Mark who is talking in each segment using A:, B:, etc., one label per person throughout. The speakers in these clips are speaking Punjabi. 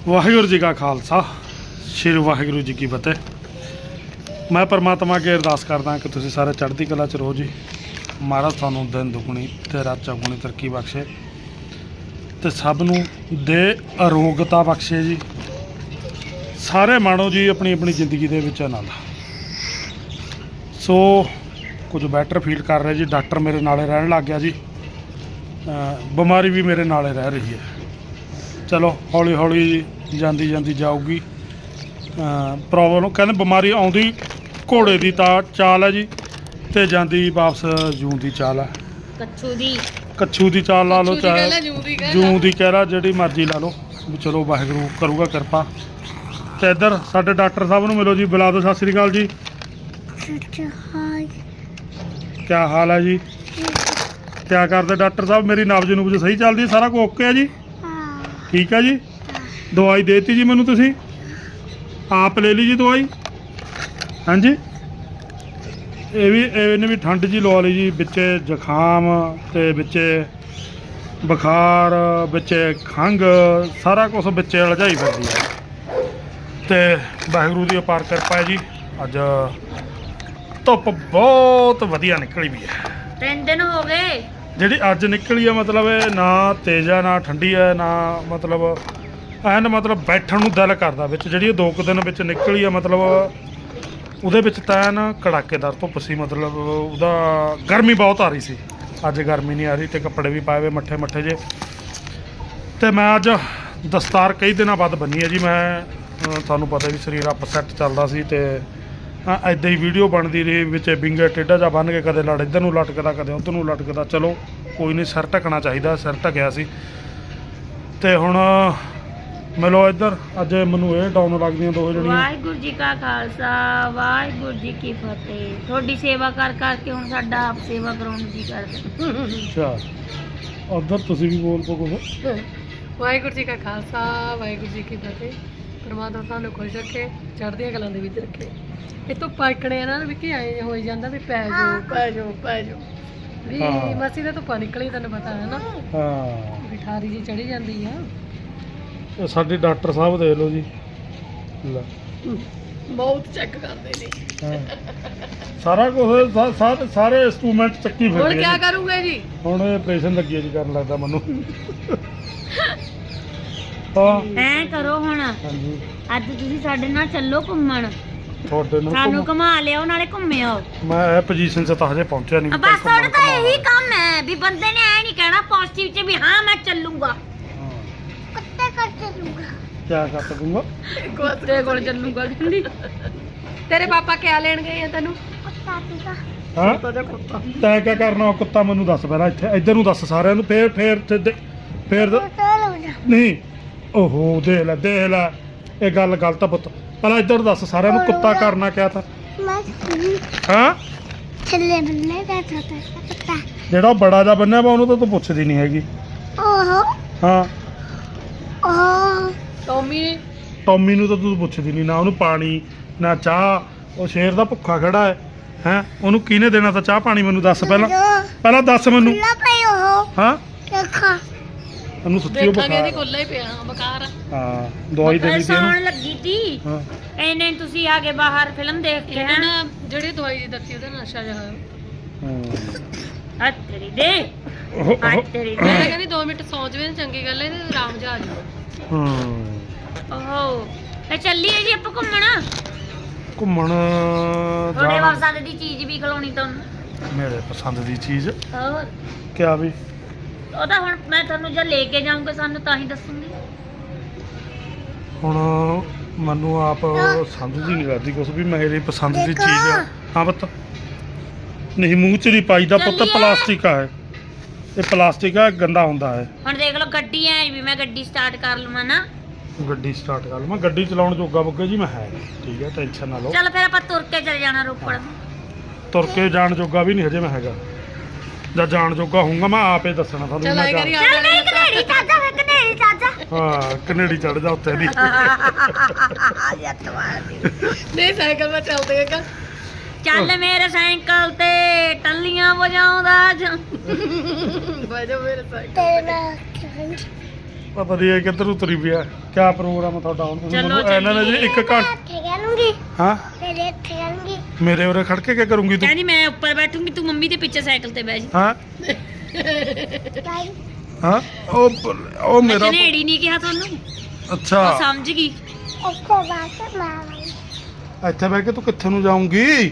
A: ਵਾਹਿਗੁਰੂ ਜੀ ਕਾ ਖਾਲਸਾ ਸ਼੍ਰੀ ਵਾਹਿਗੁਰੂ ਜੀ ਕੀ ਫਤਿਹ। ਮੈਂ ਪਰਮਾਤਮਾ ਅੱਗੇ ਅਰਦਾਸ ਕਰਦਾ ਕਿ ਤੁਸੀਂ ਸਾਰੇ ਚੜ੍ਹਦੀ ਕਲਾ ਚ ਰਹੋ ਜੀ। ਮਹਾਰਾਜ ਤੁਹਾਨੂੰ ਦਿਨ ਦੁਗਣੀ ਤੇ ਰਾਤ ਚੌਗੁਣੀ ਤਰੱਕੀ ਬਖਸ਼ੇ ਤੇ ਸਭ ਨੂੰ ਦੇ ਅਰੋਗਤਾ ਬਖਸ਼ੇ ਜੀ। ਸਾਰੇ ਮਾਣੋ ਜੀ ਆਪਣੀ ਆਪਣੀ ਜ਼ਿੰਦਗੀ ਦੇ ਵਿੱਚ ਆਨੰਦ। ਸੋ ਕੁਝ ਬੈਟਰ ਫੀਲ ਕਰ ਰਿਹਾ ਜੀ। ਡਾਕਟਰ ਮੇਰੇ ਨਾਲੇ ਰਹਿਣ ਲੱਗ ਗਿਆ ਜੀ। ਬਿਮਾਰੀ ਵੀ ਮੇਰੇ ਨਾਲੇ ਰਹਿ ਰਹੀ ਹੈ। ਚਲੋ ਹੌਲੀ ਹੌਲੀ ਜਾਂਦੀ ਜਾਂਦੀ ਜਾਊਗੀ। ਪ੍ਰੋਬਲਮ ਕਹਿੰਦੇ ਬਿਮਾਰੀ ਆਉਂਦੀ ਘੋੜੇ ਦੀ ਤਾਂ ਚਾਲ ਹੈ ਜੀ ਤੇ ਜਾਂਦੀ ਵਾਪਸ ਜੂੰ ਦੀ ਚਾਲ ਹੈ। ਕੱਛੂ ਦੀ ਚਾਲ ਲਾ ਲਓ ਚਾਹੇ ਜੂੰ ਦੀ ਕਹਿ ਲਾ, ਜਿਹੜੀ ਮਰਜ਼ੀ ਲਾ ਲਓ ਵੀ। ਚਲੋ ਵਾਹਿਗੁਰੂ ਕਰੂਗਾ ਕਿਰਪਾ। ਤੇ ਇੱਧਰ ਸਾਡੇ ਡਾਕਟਰ ਸਾਹਿਬ ਨੂੰ ਮਿਲੋ ਜੀ, ਬੁਲਾ ਦਿਓ। ਸਤਿ ਸ੍ਰੀ ਅਕਾਲ ਜੀ। ਕਿਆ ਹਾਲ ਹੈ ਜੀ? ਕਿਆ ਕਰਦੇ ਡਾਕਟਰ ਸਾਹਿਬ? ਮੇਰੀ ਨਬਜ਼ ਨੂਬਜ਼ ਸਹੀ ਚੱਲਦੀ? ਸਾਰਾ ਕੁਝ ਓਕੇ ਹੈ ਜੀ? ਠੀਕ ਹੈ ਜੀ। ਦਵਾਈ ਦੇਤੀ ਜੀ ਮੈਨੂੰ? ਤੁਸੀਂ ਆਪ ਲੈ ਲਈ ਜੀ ਦਵਾਈ? ਹਾਂਜੀ। ਇਹਨੇ ਵੀ ਠੰਡ ਜੀ ਲਵਾ ਲਈ ਜੀ, ਵਿੱਚ ਜ਼ੁਕਾਮ ਤੇ ਵਿੱਚ ਬੁਖਾਰ, ਵਿੱਚ ਖੰਘ, ਸਾਰਾ ਕੁਝ ਵਿੱਚ ਉਲਝਾਈ ਫਿਰਦੀ ਹੈ। ਤੇ ਵਾਹਿਗੁਰੂ ਦੀ ਅਪਾਰ ਕਿਰਪਾ ਹੈ ਜੀ। ਅੱਜ ਧੁੱਪ ਬਹੁਤ ਵਧੀਆ ਨਿਕਲੀ ਵੀ ਹੈ।
B: 3 ਦਿਨ ਹੋ ਗਏ
A: ਜਿਹੜੀ ਅੱਜ ਨਿਕਲੀ ਹੈ, ਮਤਲਬ ਇਹ ਨਾ ਤੇਜ਼ ਹੈ ਨਾ ਠੰਡੀ ਹੈ, ਨਾ ਮਤਲਬ ਐਨ ਮਤਲਬ ਬੈਠਣ ਨੂੰ ਦਿਲ ਕਰਦਾ। ਵਿੱਚ ਜਿਹੜੀ ਇਹ 2 ਦਿਨ ਵਿੱਚ ਨਿਕਲੀ ਹੈ, ਮਤਲਬ ਉਹਦੇ ਵਿੱਚ ਤਾਂ ਐਨ ਕੜਾਕੇਦਾਰ ਧੁੱਪ ਸੀ। ਮਤਲਬ ਉਹਦਾ ਗਰਮੀ ਬਹੁਤ ਆ ਰਹੀ ਸੀ। ਅੱਜ ਗਰਮੀ ਨਹੀਂ ਆ ਰਹੀ ਤੇ ਕੱਪੜੇ ਵੀ ਪਾਏ ਹੋਏ ਮੱਠੇ ਮੱਠੇ ਜੇ। ਤੇ ਮੈਂ ਅੱਜ ਦਸਤਾਰ ਕਈ ਦਿਨਾਂ ਬਾਅਦ ਬੰਨੀ ਹੈ ਜੀ। ਮੈਂ ਤੁਹਾਨੂੰ ਪਤਾ ਵੀ ਸਰੀਰ ਅਪਸੈਟ ਚੱਲਦਾ ਸੀ ਤੇ ਇੱਦਾਂ ਹੀ ਵੀਡੀਓ ਬਣਦੀ ਰਹੀ, ਵਿੱਚ ਵਿੰਗੇ ਟੇਢਾ ਜਿਹਾ ਬੰਨ੍ਹ ਕੇ ਕਦੇ ਲੜ ਇੱਧਰ ਨੂੰ ਲਟਕਦਾ, ਕਦੇ ਉੱਧਰ ਨੂੰ ਲਟਕਦਾ। ਚਲੋ ਕੋਈ ਨਹੀਂ, ਸਿਰ ਢੱਕਣਾ ਚਾਹੀਦਾ। ਸਿਰ ਢੱਕਿਆ ਸੀ ਤੇ ਹੁਣ ਮਿਲੋ ਇੱਧਰ। ਅੱਜ ਮੈਨੂੰ ਇਹ ਡਾਊਨ ਲੱਗਦੀਆਂ ਦੋ ਜਿਹੜੀਆਂ।
B: ਵਾਹਿਗੁਰੂ ਜੀ ਕਾ ਖਾਲਸਾ ਵਾਹਿਗੁਰੂ ਜੀ ਕੀ ਫਤਿਹ। ਤੁਹਾਡੀ ਸੇਵਾ ਕਰ ਕਰਕੇ ਹੁਣ ਸਾਡਾ ਆਪ ਸੇਵਾ ਕਰਾਉਣ ਨੂੰ ਜੀ ਕਰਦਾ।
A: ਅੱਛਾ, ਉੱਧਰ ਤੁਸੀਂ ਵੀ ਬੋਲ ਪੋ ਕੁਛ।
C: ਵਾਹਿਗੁਰੂ ਜੀ ਕਾ ਖਾਲਸਾ ਵਾਹਿਗੁਰੂ ਜੀ ਕੀ ਫਤਿਹ। ਪਰਮਾਤਮਾ ਤੁਹਾਨੂੰ ਖੁਸ਼ ਰੱਖੇ, ਚੜ੍ਹਦੀਆਂ ਕਲਾਂ ਦੇ ਵਿੱਚ ਰੱਖੇ। ਇਹ ਤੋਂ ਪਾਕਣੇ ਇਹਨਾਂ ਨੂੰ ਵੀ ਕੀ ਆਏ ਹੋਈ ਜਾਂਦਾ ਵੀ ਪੈ ਜਾਓ ਪੈ ਜਾਓ ਪੈ ਜਾਓ ਵੀ। ਮਸੀ ਦਾ ਧੁੱਪਾਂ ਨਿਕਲੀ, ਤੈਨੂੰ ਪਤਾ ਹੈ ਨਾ।
A: ਹਾਂ,
C: ਬਿਠਾਰੀ ਜੀ ਚੜੀ ਜਾਂਦੀ ਆ।
A: ਇਹ ਸਾਡੇ ਡਾਕਟਰ ਸਾਹਿਬ ਦੇਖ ਲਓ ਜੀ, ਲੈ
C: ਬਹੁਤ ਚੈੱਕ ਕਰਦੇ ਨੇ।
A: ਸਾਰਾ ਕੁਝ ਸਾਰੇ ਇੰਸਟਰੂਮੈਂਟ ਚੱਕੀ
C: ਹੁਣ
A: ਫਿਰਦੇ
C: ਕੀ
A: ਆ ਜੀ।
C: ਕਰੂਗੇ ਜੀ?
A: ਹੁਣ ਆਪਰੇਸ਼ਨ ਲੱਗੀ ਹੈ ਜੀ ਕਰਨ, ਲੱਗਦਾ ਮੈਨੂੰ। ਹਾਂ
B: ਐ ਕਰੋ ਹੁਣ,
A: ਹਾਂਜੀ,
B: ਅੱਜ ਤੁਸੀਂ ਸਾਡੇ ਨਾਲ ਚੱਲੋ ਘੁੰਮਣ।
A: ਤੁਹਾਡੇ ਨੂੰ
B: ਸਾਨੂੰ ਘੁਮਾ ਲਿਆਓ, ਨਾਲੇ ਘੁੰਮਿਓ।
A: ਮੈਂ ਇਹ ਪੋਜੀਸ਼ਨ 'ਚ ਤਾਂ ਹਜੇ ਪਹੁੰਚਿਆ ਨਹੀਂ।
B: ਬਸ ਤੁਹਾਡਾ ਤਾਂ ਇਹੀ ਕੰਮ ਹੈ ਵੀ ਬੰਦੇ ਨੇ ਐ ਨਹੀਂ ਕਹਿਣਾ ਪੋਜ਼ਿਟਿਵ ਚ ਵੀ ਹਾਂ ਮੈਂ ਚੱਲੂਗਾ। ਕੁੱਤੇ ਕਰ ਚੱਲੂਗਾ।
A: ਕਿਆ ਕਰ ਸਕੂੰਗਾ?
C: ਕੁੱਤੇ ਕੋਲ ਚੱਲੂਗਾ ਕਹਿੰਦੀ। ਤੇਰੇ ਪਾਪਾ ਕਿਆ ਲੈਣ ਗਏ ਆ ਤੈਨੂੰ?
B: ਕੁੱਤਾ ਪੀਗਾ।
A: ਹਾਂ,
C: ਕੁੱਤਾ ਕੁੱਤਾ।
A: ਤੈਂ ਕਿਆ ਕਰਨਾ? ਉਹ ਕੁੱਤਾ ਮੈਨੂੰ ਦੱਸ ਪਹਿਲਾਂ। ਇੱਧਰ ਨੂੰ ਦੱਸ ਸਾਰਿਆਂ ਨੂੰ। ਫੇਰ ਨਹੀਂ। ਓਹੋ, ਦੇਖ ਲੈ ਇਹ ਗੱਲ ਗਲਤ ਆ ਪੁੱਤ। ਪਹਿਲਾਂ ਇੱਧਰ ਦੱਸ ਸਾਰਿਆਂ ਨੂੰ, ਕੁੱਤਾ ਕਰਨਾ ਕਿਆ ਥਾ? ਹਾਂ,
B: ਥੱਲੇ ਬੰਨੇ ਬੈਠਾ ਤਾ ਕੁੱਤਾ।
A: ਜਿਹੜਾ ਉਹ ਬੜਾ ਜਿਹਾ ਬੰਨਿਆ ਵਾ ਉਹਨੂੰ ਤਾਂ ਤੂੰ ਪੁੱਛਦੀ ਨਹੀਂ ਹੈਗੀ।
B: ਓਹੋ
A: ਹਾਂ,
B: ਓਹ
A: ਟੌਮੀ ਨੂੰ ਤਾਂ ਤੂੰ ਪੁੱਛਦੀ ਨਹੀਂ, ਨਾ ਉਹਨੂੰ ਪਾਣੀ ਨਾ ਚਾਹ। ਉਹ ਸ਼ੇਰ ਦਾ ਭੁੱਖਾ ਖੜਾ ਹੈ। ਹੈਂ, ਉਹਨੂੰ ਕਿਹਨੇ ਦੇਣਾ ਤਾਂ ਚਾਹ ਪਾਣੀ? ਮੈਨੂੰ ਦੱਸ ਪਹਿਲਾਂ ਦੱਸ ਮੈਨੂੰ। ਹਾਂ, ਉਹਨੂੰ ਸੱਚੀ ਉਹ
C: ਦੇਖਾਂਗੇ ਜੀ,
A: ਬੁਖਾਰ।
C: ਕੋਲਾ ਹੀ ਪਿਆ ਬਕਾਰ।
A: ਹਾਂ, ਦਵਾਈ ਦੇਣੀ ਸੀ
B: ਸੌਣ
A: ਇਹਨੂੰ।
B: ਲੱਗੀ ਤੀ
A: ਹਾਂ,
B: ਇਹਨੇ ਤੁਸੀਂ ਆ ਕੇ ਬਾਹਰ ਫਿਲਮ ਦੇਖ ਕੇ
C: ਇਹਨਾਂ ਨਾ ਜਿਹੜੀ ਦਵਾਈ ਦੀ ਦਿੱਤੀ ਉਹਦਾ ਨਸ਼ਾ ਜਿਹਾ ਹੋਇਆ।
A: ਹਾਂ।
B: ਹੱਥ ਤੇਰੀ ਦੇ
A: ਉਹ-
B: ਹੱਥ ਤੇਰੀ
C: ਮੈਂ
B: ਦੇ।
C: ਕਹਿੰਦੀ 2 ਮਿੰਟ ਸੌਂ ਜਵੇ ਤਾਂ ਚੰਗੀ ਗੱਲ ਹੈ। ਤੇ ਆਰਾਮ ਜਾ ਆ ਜਾਊ।
A: ਹਾਂ,
B: ਓਹੋ ਤੇ ਚੱਲੀਏ ਜੀ ਆਪਾਂ ਘੁੰਮਣ।
A: ਘੁੰਮਣ
B: ਤੁਹਾਡੇ
A: ਜਾਣਾ।
B: ਪਸੰਦ ਦੀ ਚੀਜ਼ ਵੀ ਖਿਲਾਉਣੀ ਤੁਹਾਨੂੰ।
A: ਮੇਰੇ ਪਸੰਦ ਦੀ ਚੀਜ਼
B: ਹੋਰ
A: ਕਿਆ ਵੀ?
B: ਉਹ ਤਾਂ ਹੁਣ ਮੈਂ ਤੁਹਾਨੂੰ ਜਦ ਲੈ ਕੇ ਜਾਊਂਗਾ ਸਾਨੂੰ ਤਾਂ ਹੀ ਦੱਸੂਗੀ।
A: ਹੁਣ ਮੈਨੂੰ ਆਪ ਸਮਝ ਹੀ ਨਹੀਂ ਲੱਗਦੀ ਕੁਛ ਵੀ ਮੇਰੀ ਪਸੰਦ ਦੀ ਚੀਜ਼ ਆ। ਹਾਂ ਪੁੱਤ, ਨਹੀਂ ਮੂੰਹ 'ਚ ਨਹੀਂ ਪਾਈਦਾ ਪੁੱਤ।
B: ਚੱਲੀਏ।
A: ਪਲਾਸਟਿਕ ਆ ਇਹ ਪਲਾਸਟਿਕ ਆ, ਗੰਦਾ ਹੁੰਦਾ ਹੈ।
B: ਹੁਣ ਦੇਖ ਲਓ ਗੱਡੀ ਐ ਵੀ ਮੈਂ ਗੱਡੀ ਸਟਾਰਟ ਕਰ ਲਵਾਂ ਨਾ।
A: ਗੱਡੀ ਸਟਾਰਟ ਕਰ ਲਵਾਂ? ਗੱਡੀ ਚਲਾਉਣ ਜੋਗਾ ਬੁੱਗੇ ਜੀ ਮੈਂ ਹੈ ਨਹੀਂ। ਠੀਕ ਹੈ, ਟੈਨਸ਼ਨ ਨਾ ਲਓ।
B: ਚੱਲ ਫਿਰ ਆਪਾਂ ਤੁਰ ਕੇ ਚਲੇ ਜਾਣਾ ਰੋਪੜ।
A: ਤੁਰ ਕੇ ਜਾਣ ਜੋਗਾ ਵੀ ਨਹੀਂ ਹਜੇ ਮੈਂ ਹੈਗਾ। ਜਦ ਜਾਣ ਜੋਗਾ ਹੋਊਗਾ ਮੈਂ ਆਪੇ ਦੱਸਣਾ ਤੁਹਾਨੂੰ।
C: ਚੱਲ
A: ਮੈਂ
C: ਆਏ ਕਰੀ
A: ਜਾ-
C: ਆ
B: ਚੱਲ ਨਹੀਂ ਕਨੇੜੀ ਚਾਚਾ, ਵੇ ਕਨੇੜੀ ਚਾਚਾ।
A: ਹਾਂ, ਕਨੇਡੀ ਚੜ ਜਾ ਉੱਤੇ ਦੀ।
C: ਨਹੀਂ ਸਾਈਕਲ ਮੈਂ ਚੱਲਦੇ ਹੈਗਾ।
B: ਚੱਲ ਮੇਰੇ ਸਾਈਕਲ ਤੇ ਟੱਲੀਆਂ ਵਜਾਉਂਦਾ ਜਾ।
C: ਬਾਜੋ ਮੇਰੇ ਸਾਈਕਲ।
A: ਪਤਾ ਨਹੀਂ ਇਹ ਕਿੱਧਰ ਉਤਰੀ ਪਿਆ। ਕਿਆ ਪ੍ਰੋਗਰਾਮ ਆ ਤੁਹਾਡਾ ਹੁਣ?
B: ਚਲੋ
A: ਮੈਨੂੰ ਇਹਨਾਂ ਨੇ ਜੀ
B: ਚੱਲੀਏ।
A: 1 ਘੰਟਾ ਹਾਂ ਮੇਰੇ ਉਰੇ ਖੜ ਕੇ ਕੀ ਕਰੂੰਗੀ ਤੂੰ?
B: ਕਹਿੰਦੀ ਮੈਂ ਉੱਪਰ ਬੈਠੂੰਗੀ, ਤੂੰ ਮੰਮੀ ਦੇ ਪਿੱਛੇ ਸਾਈਕਲ ਤੇ ਬਹਿ ਜੀ।
A: ਹਾਂ ਹਾਂ ਉਹ ਮੇਰਾ
B: ਜਨੇੜੀ ਨਹੀਂ ਕਿਹਾ ਤੁਹਾਨੂੰ,
A: ਅੱਛਾ
B: ਉਹ ਸਮਝ ਗਈ।
A: ਇੱਥੇ ਬਹਿ ਕੇ ਤੂੰ ਕਿੱਥੇ ਨੂੰ ਜਾਊਂਗੀ?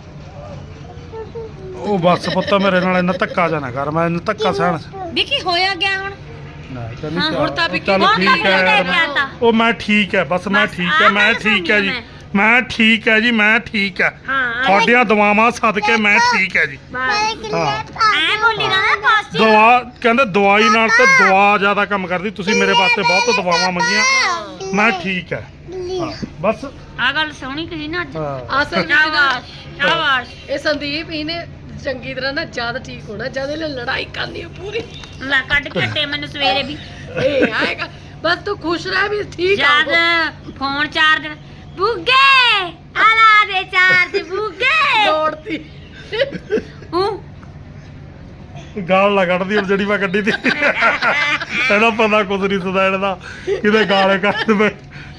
A: ਉਹ ਬੱਸ ਪੁੱਤ ਮੇਰੇ ਨਾਲ ਇੰਨਾ ਧੱਕਾ ਜਾਣਾ ਕਰ, ਮੈਂ ਇੰਨਾ ਧੱਕਾ ਸਹਿਣ
B: ਦੇਖੀ ਹੋਇਆ ਗਿਆ ਹੁਣ। ਹਾਂ,
C: ਹੁਣ ਤਾਂ ਵੀ
A: ਚੱਲ
B: ਹੁਣ ਤਾਂ
A: ਠੀਕ ਹੈ
B: ਲੈ ਕੇ ਆਤਾ।
A: ਉਹ ਮੈਂ ਠੀਕ ਹੈ, ਬਸ ਮੈਂ
B: ਬਸ
A: ਠੀਕ
B: ਆਹ
A: ਹੈ, ਮੈਂ
B: ਗੱਲ
A: ਠੀਕ ਹੈ ਜੀ,
B: ਸਮਝੀ
A: ਮੈਂ ਠੀਕ ਹੈ ਜੀ, ਮੈਂ ਠੀਕ ਹੈ।
B: ਹਾਂ
A: ਤੁਹਾਡੀਆਂ ਦੁਆਵਾਂ ਸਦਕੇ ਮੈਂ ਠੀਕ ਹੈ ਜੀ।
B: ਐ ਬੋਲੀ ਨਾ ਪਾਸ
A: ਦਵਾ ਕਹਿੰਦੇ ਦਵਾਈ ਨਾਲ ਤੇ ਦੁਆ ਜ਼ਿਆਦਾ ਕੰਮ ਕਰਦੀ। ਤੁਸੀਂ ਮੇਰੇ ਵਾਸਤੇ ਬਹੁਤ ਦੁਆਵਾਂ ਮੰਗੀਆਂ, ਮੈਂ ਠੀਕ ਹੈ। ਹਾਂ, ਬਸ
B: ਆ ਗੱਲ ਸੋਹਣੀ ਕਹੀ ਨਾ ਅੱਜ।
A: ਹਾਂ।
C: ਅਸਲ ਵਿੱਚ
B: ਸ਼ਾਬਾਸ਼ ਸ਼ਾਬਾਸ਼।
C: ਇਹ ਸੰਦੀਪ ਇਹਨੇ ਚੰਗੀ ਤਰ੍ਹਾਂ ਨਾ ਜ਼ਿਆਦਾ ਠੀਕ ਹੋਣਾ, ਜਦ ਇਹਨੇ ਲੜਾਈ ਕਰਨੀ ਹੈ ਪੂਰੀ।
B: ਲੈ ਕੱਢ ਕੇ ਹਟੇ ਮੈਨੂੰ ਸਵੇਰੇ ਵੀ
C: ਇਹ ਆਏਗਾ ਬਸ ਤੂੰ ਖੁਸ਼ ਰਹਿ ਵੀ ਠੀਕ ਆ
B: ਜਦ ਫੋਨ ਚਾਰਜ ਬੁੱਗੇ ਆਲਾ ਦੇ ਚਾਰਜ ਬੁੱਗੇ
C: ਦੌੜਦੀ
B: ਹੂੰ
A: ਗਾਲ ਨਾ ਕੱਢਦੀ ਹੁਣ ਜਿਹੜੀ ਮੈਂ ਕੱਢੀ ਤੀ। ਇਹਦਾ ਪਤਾ ਕੁਝ ਨਹੀਂ ਸੁਦਾ ਇਹਦਾ ਕਿਤੇ ਗਾਲੇ ਕੱਢ ਦੇਵੇ।